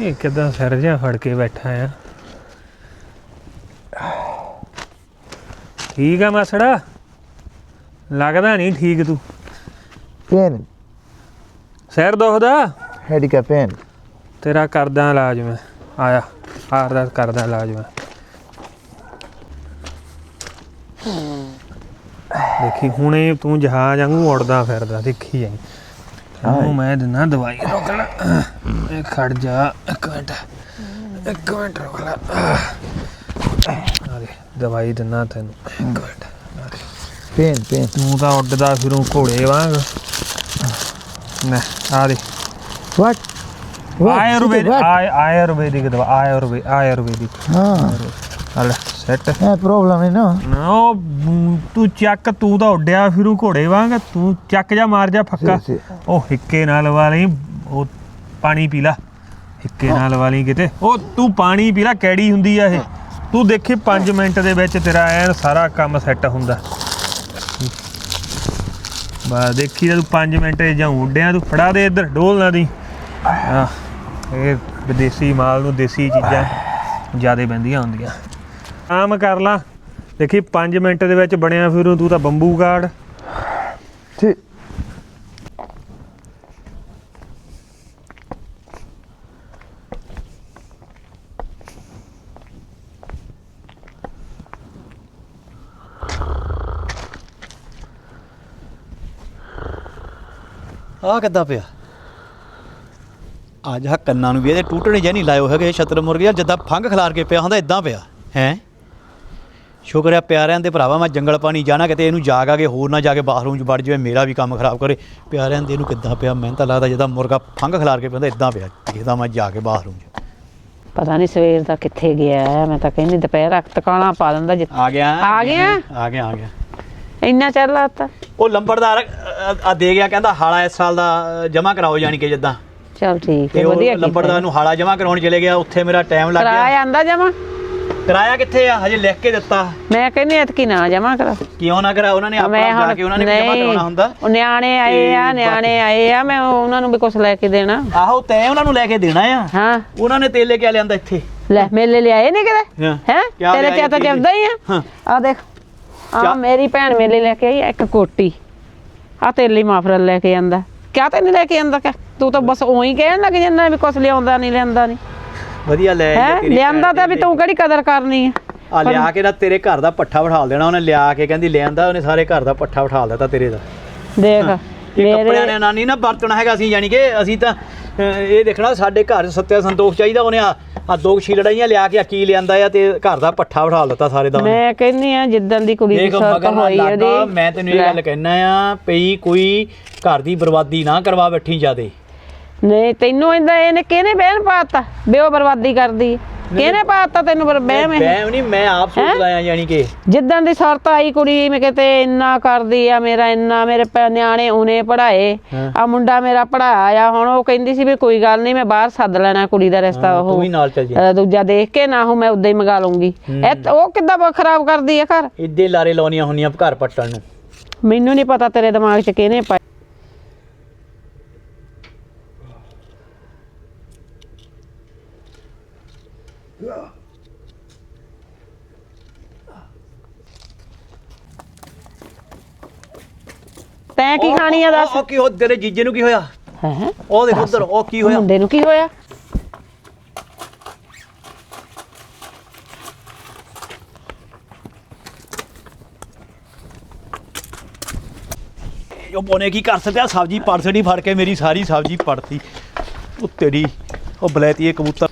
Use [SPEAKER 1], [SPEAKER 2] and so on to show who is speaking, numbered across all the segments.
[SPEAKER 1] ये किदा सिर जिहा फड़ के बैठा है। ठीक है मासड़ा, लगदा नहीं ठीक तू।
[SPEAKER 2] पेन
[SPEAKER 1] सिर दुखदा?
[SPEAKER 2] हेड का पेन
[SPEAKER 1] तेरा करदा इलाज मैं। आया हार करदा इलाज मैं। देखी हुणे तू जहाज वांगू उड़दा फिरदा, देखी जाई तैनूं मैं दिना दवाई। रोक ला, खड़ जा एक मिनट रोक ला। अरे दवाई दिना तैनूं, एक मिनट।
[SPEAKER 2] पेन पेन
[SPEAKER 1] तू तां उड्डदा फिरूं घोड़े वांग। ना आ दे आयुर्वेदिक दवा, आयुर्वेदिक। हाँ सैट
[SPEAKER 2] है प्रॉब्लम है ना।
[SPEAKER 1] तू चक, तू तो उड्डिया फिरू घोड़े वांग। तू चक जा, मार जा फक्का। ओ हिक्के नाल वाली, ओ पानी पी ला, हिक्के नाल वाली किते। ओ तू पानी पी ला, कैड़ी हुंदी आ ये। तू देखी 5 मिनट दे विच तेरा ऐन सारा काम सैट हुंदा। बस देखी तू 5 मिनट जां उड्डिया, तू फड़ा दे इधर, डोल ना दी। ये विदेशी माल नूं देसी चीज़ां ज़्यादा बंदियां हुंदियां। आम कर ला, देखी 5 मिनट दे विच बनिया फिरूं तू तां बंबू गाड़।
[SPEAKER 2] ठीक
[SPEAKER 3] ਆ ਕਿੱਦਾਂ ਪਿਆ ਅੱਜ ਆ ਕੰਨਾਂ ਨੂੰ ਵੀ ਇਹਦੇ ਟੂਟਣੇ ਜਿਹੇ ਨਹੀਂ ਲਾਇਓ ਹੈਗੇ ਛਤਰ ਮੁਰਗੇ ਜਿੱਦਾਂ ਫੰਗ ਖਿਲਾਰ ਕੇ ਪਿਆ ਹੁੰਦਾ ਇਦਾਂ ਪਿਆ ਹੈ। ਸ਼ੁਕਰ ਆ ਪਿਆਰਿਆਂ ਦੇ ਭਰਾਵਾ, ਮੈਂ ਜੰਗਲ ਪਾਣੀ ਜਾਣਾ ਕਿਤੇ ਇਹਨੂੰ ਜਾਗ ਆ ਕੇ ਹੋਰ ਨਾ ਜਾ ਕੇ ਬਾਥਰੂਮ 'ਚ ਵੜ ਜਾਵੇ, ਮੇਰਾ ਵੀ ਕੰਮ ਖਰਾਬ ਕਰੇ। ਪਿਆਰਿਆਂ ਦੇ ਇਹਨੂੰ ਕਿੱਦਾਂ ਪਿਆ, ਮੈਨੂੰ ਤਾਂ ਲੱਗਦਾ ਜਿੱਦਾਂ ਮੁਰਗਾ ਫੰਗ ਖਿਲਾਰ ਕੇ ਪਿਆ ਇਦਾਂ ਪਿਆ। ਦੇਖਦਾ ਮੈਂ ਜਾ ਕੇ ਬਾਥਰੂਮ 'ਚ।
[SPEAKER 4] ਪਤਾ ਨਹੀਂ ਸਵੇਰ ਦਾ ਕਿੱਥੇ ਗਿਆ। ਮੈਂ ਤਾਂ ਕਹਿੰਦੀ ਦੁਪਹਿਰ ਟਿਕਾਣਾ ਪਾ ਦਿੰਦਾ।
[SPEAKER 3] ਆ ਗਿਆ
[SPEAKER 4] ਇੰਨਾ ਚਿਰ ਲਾਤਾ।
[SPEAKER 3] ਉਹ ਲੰਬੜਦਾਰ ਆ ਦੇ ਗਿਆ, ਕਹਿੰਦਾ ਹਾਲਾ ਇਸ ਸਾਲ ਦਾ ਜਮ੍ਹਾਂ ਕਰਾਓ, ਜਾਣੀ ਕਿ ਜਿੱਦਾਂ।
[SPEAKER 4] ਚਲ ਠੀਕ ਹੈ,
[SPEAKER 3] ਤੇ
[SPEAKER 4] ਵਧੀਆ
[SPEAKER 3] ਉਹ ਲੰਬੜਦਾਰ ਨੂੰ ਹਾਲਾ ਜਮ੍ਹਾਂ ਕਰਾਉਣ ਚਲੇ ਗਿਆ, ਉੱਥੇ ਮੇਰਾ ਟਾਈਮ ਲੱਗ ਗਿਆ।
[SPEAKER 4] ਕਿਰਾਇਆ ਆਂਦਾ ਜਮਾ?
[SPEAKER 3] ਕਿਰਾਇਆ ਕਿੱਥੇ ਆ, ਹਜੇ ਲਿਖ ਕੇ ਦਿੱਤਾ।
[SPEAKER 4] ਮੈਂ ਕਹਿੰਦੀ ਐਤਕੀ ਨਾ ਜਮਾ ਕਰਾ।
[SPEAKER 3] ਕਿਉਂ ਨਾ ਕਰਾ? ਉਹਨਾਂ ਨੇ ਆਪਣਾ ਜਾ ਕੇ ਉਹਨਾਂ ਨੇ ਜਮ੍ਹਾਂ ਕਰਾਉਣਾ ਹੁੰਦਾ।
[SPEAKER 4] ਉਹ ਨਿਆਣੇ ਆਏ ਆ, ਮੈਂ ਉਹਨਾਂ ਨੂੰ ਵੀ ਕੁਝ ਲੈ ਕੇ ਦੇਣਾ।
[SPEAKER 3] ਆਹੋ ਤੈਂ ਉਹਨਾਂ ਨੂੰ ਲੈ ਕੇ ਦੇਣਾ ਆ।
[SPEAKER 4] ਹਾਂ
[SPEAKER 3] ਉਹਨਾਂ ਨੇ ਤੇਲ ਲੈ ਕੇ ਲਿਆਂਦਾ ਇੱਥੇ।
[SPEAKER 4] ਲੈ ਮੇਲੇ ਲਿਆਏ ਨਹੀਂ ਕਿਤੇ ਹੈ? ਤੇਰੇ ਚ ਤਾਂ ਚੱਲਦਾ ਹੀ ਆ। ਆ ਦੇਖ, ਆ ਮੇਰੀ ਭੈਣ ਮੇਲੇ ਲੈ ਕੇ ਆਈ ਇੱਕ ਕੋਟੀ। ਆ ਤੇਰੇ ਲਈ ਮਾਫਰਲ ਲੈ ਕੇ ਆਂਦਾ। ਕਿਆ ਤੈਨੂੰ ਲੈ ਕੇ ਆਂਦਾ? ਤੂੰ ਤਾਂ ਬਸ ਉਹੀ ਕਹਿਣ ਲੱਗ ਜਾਂਦਾ ਵੀ ਕੁਛ ਲਿਆਉਂਦਾ ਨਹੀਂ ਲਿਆਂਦਾ ਨਹੀਂ।
[SPEAKER 3] ਵਧੀਆ ਲੈ
[SPEAKER 4] ਲਿਆਂਦਾ ਤਾਂ ਵੀ ਤੂੰ ਕਿਹੜੀ ਕਦਰ ਕਰਨੀ
[SPEAKER 3] ਆ। ਲਿਆ ਕੇ ਨਾ ਤੇਰੇ ਘਰ ਦਾ ਪੱਠਾ ਬਿਠਾ ਦੇਣਾ ਉਹਨੇ। ਲਿਆ ਕੇ ਕਹਿੰਦੀ ਲਿਆਂਦਾ ਉਹਨੇ, ਸਾਰੇ ਘਰ ਦਾ ਪੱਠਾ ਬਿਠਾ ਦਿੱਤਾ ਤੇਰੇ ਦਾ।
[SPEAKER 4] ਦੇਖ
[SPEAKER 3] ਇਹ ਕੱਪੜਿਆਂ ਨੇ ਨਾਨੀ ਨਾ ਵਰਤਣਾ ਹੈਗਾ ਸੀ, ਜਾਣੀ ਕਿ ਅਸੀਂ ਤਾਂ ਇਹ ਦੇਖਣਾ ਸਾਡੇ ਘਰ ਸੱਤਿਆ ਸੰਤੋਖ ਚਾਹੀਦਾ। ਉਹਨੇ ਆ 2 ਛਿਲੜਾਈਆਂ ਲਿਆ ਕੇ ਕੀ ਲਿਆਂਦਾ ਆ ਤੇ ਘਰ ਦਾ ਪੱਠਾ ਬਿਠਾ ਦਿੱਤਾ ਸਾਰੇ ਦਾ।
[SPEAKER 4] ਮੈਂ ਕਹਿੰਦੀ ਆ ਜਿੱਦਾਂ ਦੀ ਕੁੜੀ ਦੀ ਸੁਰਤ ਹੋਈ ਉਹਦੀ।
[SPEAKER 3] ਮੈਂ ਤੈਨੂੰ ਇਹ ਗੱਲ ਕਹਿਣਾ ਆ ਪਈ ਕੋਈ ਘਰ ਦੀ ਬਰਬਾਦੀ ਨਾ ਕਰਵਾ ਬੈਠੀ ਜਾਦੇ।
[SPEAKER 4] ਨਹੀਂ ਤੈਨੂੰ ਇਹਨੇ ਕਿਹਨੇ ਬਹਿਮ ਪਾਤਾ ਵੀ ਉਹ ਬਰਬਾਦੀ ਕਰਦੀ? ਕਿਹਨੇ ਪਾਤਾ ਤੈਨੂੰ ਬਹਿਮ?
[SPEAKER 3] ਬਹਿਮ ਨਹੀਂ, ਮੈਂ ਆਪ ਸੋਚਦਾ ਆ, ਜਾਣੀ ਕਿ
[SPEAKER 4] ਜਿੱਦਾਂ ਦੀ ਸੁਰਤ ਆਈ ਕੁੜੀ ਮੈਂ ਕਿਤੇ ਇੰਨਾ ਕਰਦੀ ਆ, ਮੇਰਾ ਇੰਨਾ, ਮੇਰੇ ਨਿਆਣੇ ਉਹਨੇ ਪੜ੍ਹਾਏ, ਆ ਮੁੰਡਾ ਮੇਰਾ ਪੜ੍ਹਾਇਆ। ਹੁਣ ਉਹ ਕਹਿੰਦੀ ਸੀ ਵੀ ਕੋਈ ਗੱਲ ਨਹੀਂ ਮੈਂ ਬਾਹਰ ਸੱਦ ਲੈਣਾ ਕੁੜੀ ਦਾ ਰਿਸ਼ਤਾ। ਉਹ ਦੂਜਾ ਦੇਖ ਕੇ ਨਾ ਮੈਂ ਉਦਾਂ ਹੀ ਮੰਗਾ ਲੂੰਗੀ। ਉਹ ਕਿੱਦਾਂ ਖਰਾਬ ਕਰਦੀ ਆ ਘਰ?
[SPEAKER 3] ਇੱਦੇ ਲਾਰੇ ਲਾਉਣੀਆਂ ਹੁੰਦੀਆਂ ਘਰ ਪੱਟਣ ਨੂੰ।
[SPEAKER 4] ਮੈਨੂੰ ਨਹੀਂ ਪਤਾ ਤੇਰੇ ਦਿਮਾਗ 'ਚ ਕਿਹਨੇ ਪਾਇਆ। ਤੈਂ ਕੀ ਖਾਣੀ ਆ ਦੱਸ?
[SPEAKER 3] ਕੀ ਹੋ ਤੇਰੇ ਜੀਜੇ ਨੂੰ ਕੀ ਹੋਇਆ?
[SPEAKER 4] ਹੈ
[SPEAKER 3] ਉਹ ਦੇਖ ਉਧਰ, ਉਹ ਕੀ ਹੋਇਆ?
[SPEAKER 4] ਮੁੰਡੇ ਨੂੰ ਕੀ ਹੋਇਆ?
[SPEAKER 3] ਉਹ ਬੋਨੇ ਕੀ ਕਰ ਸਕਿਆ? ਸਬਜ਼ੀ ਪੜ ਛੜੀ, ਫੜ ਕੇ ਮੇਰੀ ਸਾਰੀ ਸਬਜ਼ੀ ਪੜਤੀ। ਉਹ ਤੇਰੀ ਉਹ ਬਲੈਤੀਏ ਕਬੂਤਰ।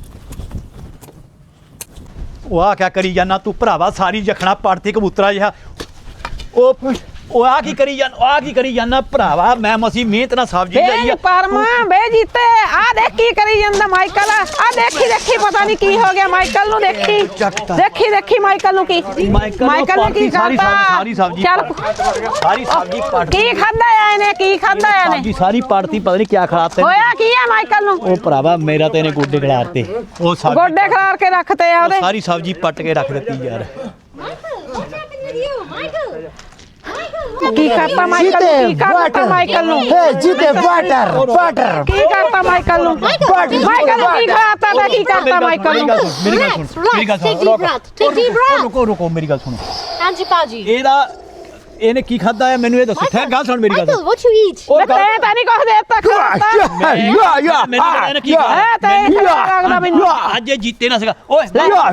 [SPEAKER 3] ਉਹ ਆ ਕਿਆ ਕਰੀ ਜਾਨਾ ਤੂੰ ਭਰਾਵਾ? ਸਾਰੀ ਜਖਣਾ ਪੜਤੀ ਕਬੂਤਰਾ ਜਿਹਾ। ਉਹ ਆ ਕੀ ਕਰੀ ਜਾਨਾ ਭਰਾਵਾ? ਮੈਂ ਮਸੀ ਮਿਹਨਤ ਨਾਲ ਸਬਜ਼ੀ ਲਈ ਆ।
[SPEAKER 4] ਪਰਮਾ ਬੇ ਜੀਤੇ ਆ ਦੇਖ ਕੀ ਕਰੀ ਜਾਂਦਾ ਮਾਈਕਲ। ਆ ਦੇਖੀ ਪਤਾ ਨਹੀਂ ਕੀ ਹੋ ਗਿਆ ਮਾਈਕਲ ਨੂੰ। ਦੇਖੀ ਮਾਈਕਲ ਨੂੰ ਕੀ ਨੇ ਕੀ ਕਰਤਾ?
[SPEAKER 3] ਸਾਰੀ ਸਬਜ਼ੀ ਪੜ
[SPEAKER 4] ਕੀ ਖਾਦਾ ਆ ਇਹਨੇ?
[SPEAKER 3] ਸਬਜ਼ੀ ਸਾਰੀ ਪੜਤੀ, ਪਤਾ ਨਹੀਂ ਕੀ ਖਿਲਾਤੇ।
[SPEAKER 4] ਹੋਇਆ ਕੀ ਆ ਮਾਈਕਲ ਨੂੰ?
[SPEAKER 3] ਉਹ ਭਰਾਵਾ ਮੇਰਾ ਤੇ ਇਹਨੇ ਗੋਡੇ ਖਿਲਾਰਤੇ। ਉਹ
[SPEAKER 4] ਗੋਡੇ ਖਿਲਾਰ ਕੇ ਰੱਖਤੇ ਆ ਉਹਦੇ।
[SPEAKER 3] ਸਾਰੀ ਸਬਜ਼ੀ ਪੱਟ ਕੇ ਰੱਖ ਦਿੱਤੀ ਯਾਰ।
[SPEAKER 4] ਕੀ ਕਰਤਾ ਮਾਈਕਲ ਨੂੰ? ਕੀ ਕਰਤਾ ਮਾਈਕਲ ਨੂੰ?
[SPEAKER 2] Hey, जीते वाटर वाटर
[SPEAKER 4] ਕੀ ਕਰਤਾ ਮਾਈਕਲ ਨੂੰ? ਮਾਈਕਲ ਨੂੰ ਕੀ ਖਿਲਾਤਾ ਤੇ ਕੀ ਕਰਤਾ ਮਾਈਕਲ ਨੂੰ?
[SPEAKER 3] ਮੇਰੀ ਗੱਲ ਸੁਣ ਮੇਰੀ ਗੱਲ
[SPEAKER 5] Take
[SPEAKER 3] ਸੁਣ
[SPEAKER 5] deep breath. Take deep breath.
[SPEAKER 3] ਰੁਕੋ ਮੇਰੀ ਗੱਲ ਸੁਣੋ
[SPEAKER 5] Anji Paji.
[SPEAKER 3] ਇਹਨੇ ਕੀ ਖਾਦਾ ਹੈ ਮੈਨੂੰ ਇਹ ਦੱਸੋ ਠਹਿਰ ਗੱਲ ਸੁਣ ਮੇਰੀ ਗੱਲ
[SPEAKER 5] Michael, what you eat?
[SPEAKER 3] ਉਹ
[SPEAKER 4] ਮੈਂ ਤਾਂ ਨਹੀਂ ਕੁਝ ਦੇਤਾ ਖਿਲਾਤਾ
[SPEAKER 3] ਮੈਨੂੰ ਪਤਾ ਇਹਨੇ ਕੀ
[SPEAKER 4] ਹੈ ਤੇ ਲੱਗਦਾ ਮੈਨੂੰ
[SPEAKER 3] ਅੱਜ ਇਹ ਜੀਤੇ ਨਾ ਸੀਗਾ ਓਏ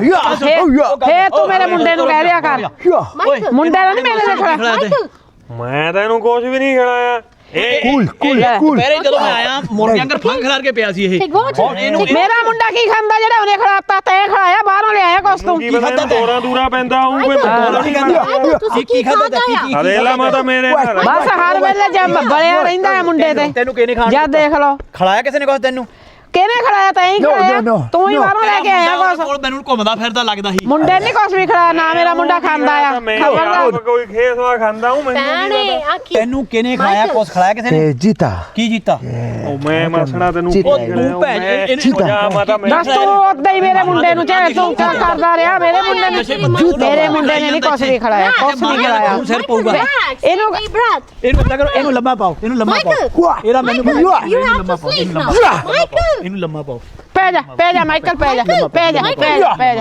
[SPEAKER 4] ਫੇਰ ਤੂੰ ਮੇਰੇ ਮੁੰਡੇ ਨੂੰ ਕਹਿ ਦਿਆ ਕਰ
[SPEAKER 5] Michael.
[SPEAKER 4] ਮੁੰਡੇ ਨੂੰ ਨਹੀਂ ਮੇਰੇ ਦੇਖਣਾ
[SPEAKER 5] Michael.
[SPEAKER 1] ਮੈਂ ਤਾਂ ਇਹਨੂੰ ਕੁਝ ਵੀ ਨਹੀਂ ਖਿਲਾਇਆ
[SPEAKER 2] cool
[SPEAKER 3] ਪਹਿਰੇ ਜਦੋਂ ਮੈਂ ਆਇਆ ਮੁਰਗੇ ਅੰਦਰ ਫੰਗ ਖਿਲਾਰ ਕੇ ਪਿਆ ਸੀ ਇਹ
[SPEAKER 5] Take water.
[SPEAKER 4] ਮੇਰਾ ਮੁੰਡਾ ਕੀ ਖਾਂਦਾ ਜਿਹੜਾ ਉਹਨੇ ਖਿਲਾਤਾ ਤੈਂ ਖਿਲਾਇਆ ਬਾਹਰੋਂ ਲਿਆਇਆ ਕੁਛ ਤੂੰ
[SPEAKER 1] ਕੀ ਪਤਾ ਇਹਨੂੰ ਦੌਰਾ ਦੂਰਾ ਪੈਂਦਾ ਹੋਊ ਕੋਈ
[SPEAKER 5] Michael, ਤੁਸੀਂ ਕੀ ਖਾਦਾ ਆ?
[SPEAKER 1] ਅਰੇਲਾ ਮਾਤਾ ਮੇਰੇ ਘਰ
[SPEAKER 4] ਬਸ ਹਰ ਵੇਲੇ ਜੰਮ ਬਲਿਆ ਰਹਿੰਦਾ ਹੈ ਮੁੰਡੇ ਤੇ
[SPEAKER 3] ਤੈਨੂੰ ਕਿਹਨੇ ਖਾਣ
[SPEAKER 4] ਜਦ ਦੇਖ ਲਓ
[SPEAKER 3] ਖਿਲਾਇਆ ਕਿਸੇ ਨੇ ਕੁਛ ਤੈਨੂੰ
[SPEAKER 4] ਕਿਹਨੇ ਖਿਲਾਇਆ ਤੈਂ ਹੀ
[SPEAKER 2] No,
[SPEAKER 4] ਖਿਲਾਇਆ
[SPEAKER 2] no, no,
[SPEAKER 4] ਤੂੰ ਹੀ
[SPEAKER 2] no.
[SPEAKER 4] ਬਾਹਰੋਂ ਲੈ ਕੇ ਆਇਆ ਕੁਛ
[SPEAKER 3] ਕੋਲ ਮੈਨੂੰ ਘੁੰਮਦਾ ਫਿਰਦਾ ਲੱਗਦਾ ਸੀ
[SPEAKER 4] ਮੁੰਡੇ ਨੇ ਕੁਛ ਵੀ ਖਿਲਾਇਆ ਨਾ ਮੇਰਾ ਮੁੰਡਾ ਖਾਂਦਾ ਆ
[SPEAKER 1] ਮੈਂ
[SPEAKER 4] ਖਬਰਦਾਰ
[SPEAKER 1] ਕੋਈ ਖੇਸਵਾ ਖਾਂਦਾ ਹੂੰ ਮੈਨੂੰ
[SPEAKER 5] ਭੈਣੇ ਆ ਕੀ
[SPEAKER 3] ਤੈਨੂੰ ਕਿਹਨੇ ਖਾਇਆ ਕੁਛ ਖਿਲਾਇਆ ਕਿਸੇ ਨੇ
[SPEAKER 2] जीता
[SPEAKER 3] ਕੀ ਜੀਤਾ
[SPEAKER 1] ਉਹ ਮੈਂ ਮਸਣਾ ਤੈਨੂੰ
[SPEAKER 2] ਚੀਤਾ।
[SPEAKER 1] ਕੀ ਖਿਲਾਇਆ?
[SPEAKER 3] ਤੂੰ ਭੈਣ
[SPEAKER 1] ਮੈਂ-
[SPEAKER 3] ਇਹਨੂੰ-
[SPEAKER 1] ਉਹ ਜਾ ਮਾਤਾ ਮੈਂ
[SPEAKER 4] ਦੱਸ ਤੂੰ ਉਦਾਂ ਹੀ ਮੇਰੇ ਮੁੰਡੇ ਨੂੰ ਚਾਹੇ ਤੂੰ ਕਿਆ ਕਰਦਾ ਰਿਹਾ ਮੇਰੇ ਮੁੰਡੇ ਨੇ ਨਹੀਂ ਕੁਛ ਵੀ ਖਿਲਾਇਆ ਕੁਛ ਨਹੀਂ ਖਿਲਾਇਆ
[SPEAKER 3] ਤੂੰ ਸਿਰ ਪਊਗਾ
[SPEAKER 5] Relax.
[SPEAKER 4] ਇਹਨੂੰ-
[SPEAKER 5] Take deep breath.
[SPEAKER 3] ਇਹਨੂੰ ਪਤਾ ਕਰੋ ਇਹਨੂੰ ਲੰਮਾ ਪਾਓ ਇਹਨੂੰ ਲੰਮਾ ਪਾਓ
[SPEAKER 5] Michael.
[SPEAKER 3] ਇਹਦਾ ਮੈਨੂੰ
[SPEAKER 5] Michael, you
[SPEAKER 3] ਇਹਨੂੰ
[SPEAKER 5] have
[SPEAKER 3] ਲੰਮਾ
[SPEAKER 5] to
[SPEAKER 3] ਪਾਓ
[SPEAKER 5] sleep
[SPEAKER 3] ਇਹਨੂੰ
[SPEAKER 5] now.
[SPEAKER 3] ਲੰਮਾ ਪਾਓ
[SPEAKER 5] Michael.
[SPEAKER 3] ਇਹਨੂੰ ਲੰਮਾ ਪਾਓ
[SPEAKER 4] ਪੈ ਜਾ ਮਾਈਕਲ ਪੈ ਜਾ
[SPEAKER 5] Michael,
[SPEAKER 4] ਪੈ ਜਾ
[SPEAKER 5] Michael.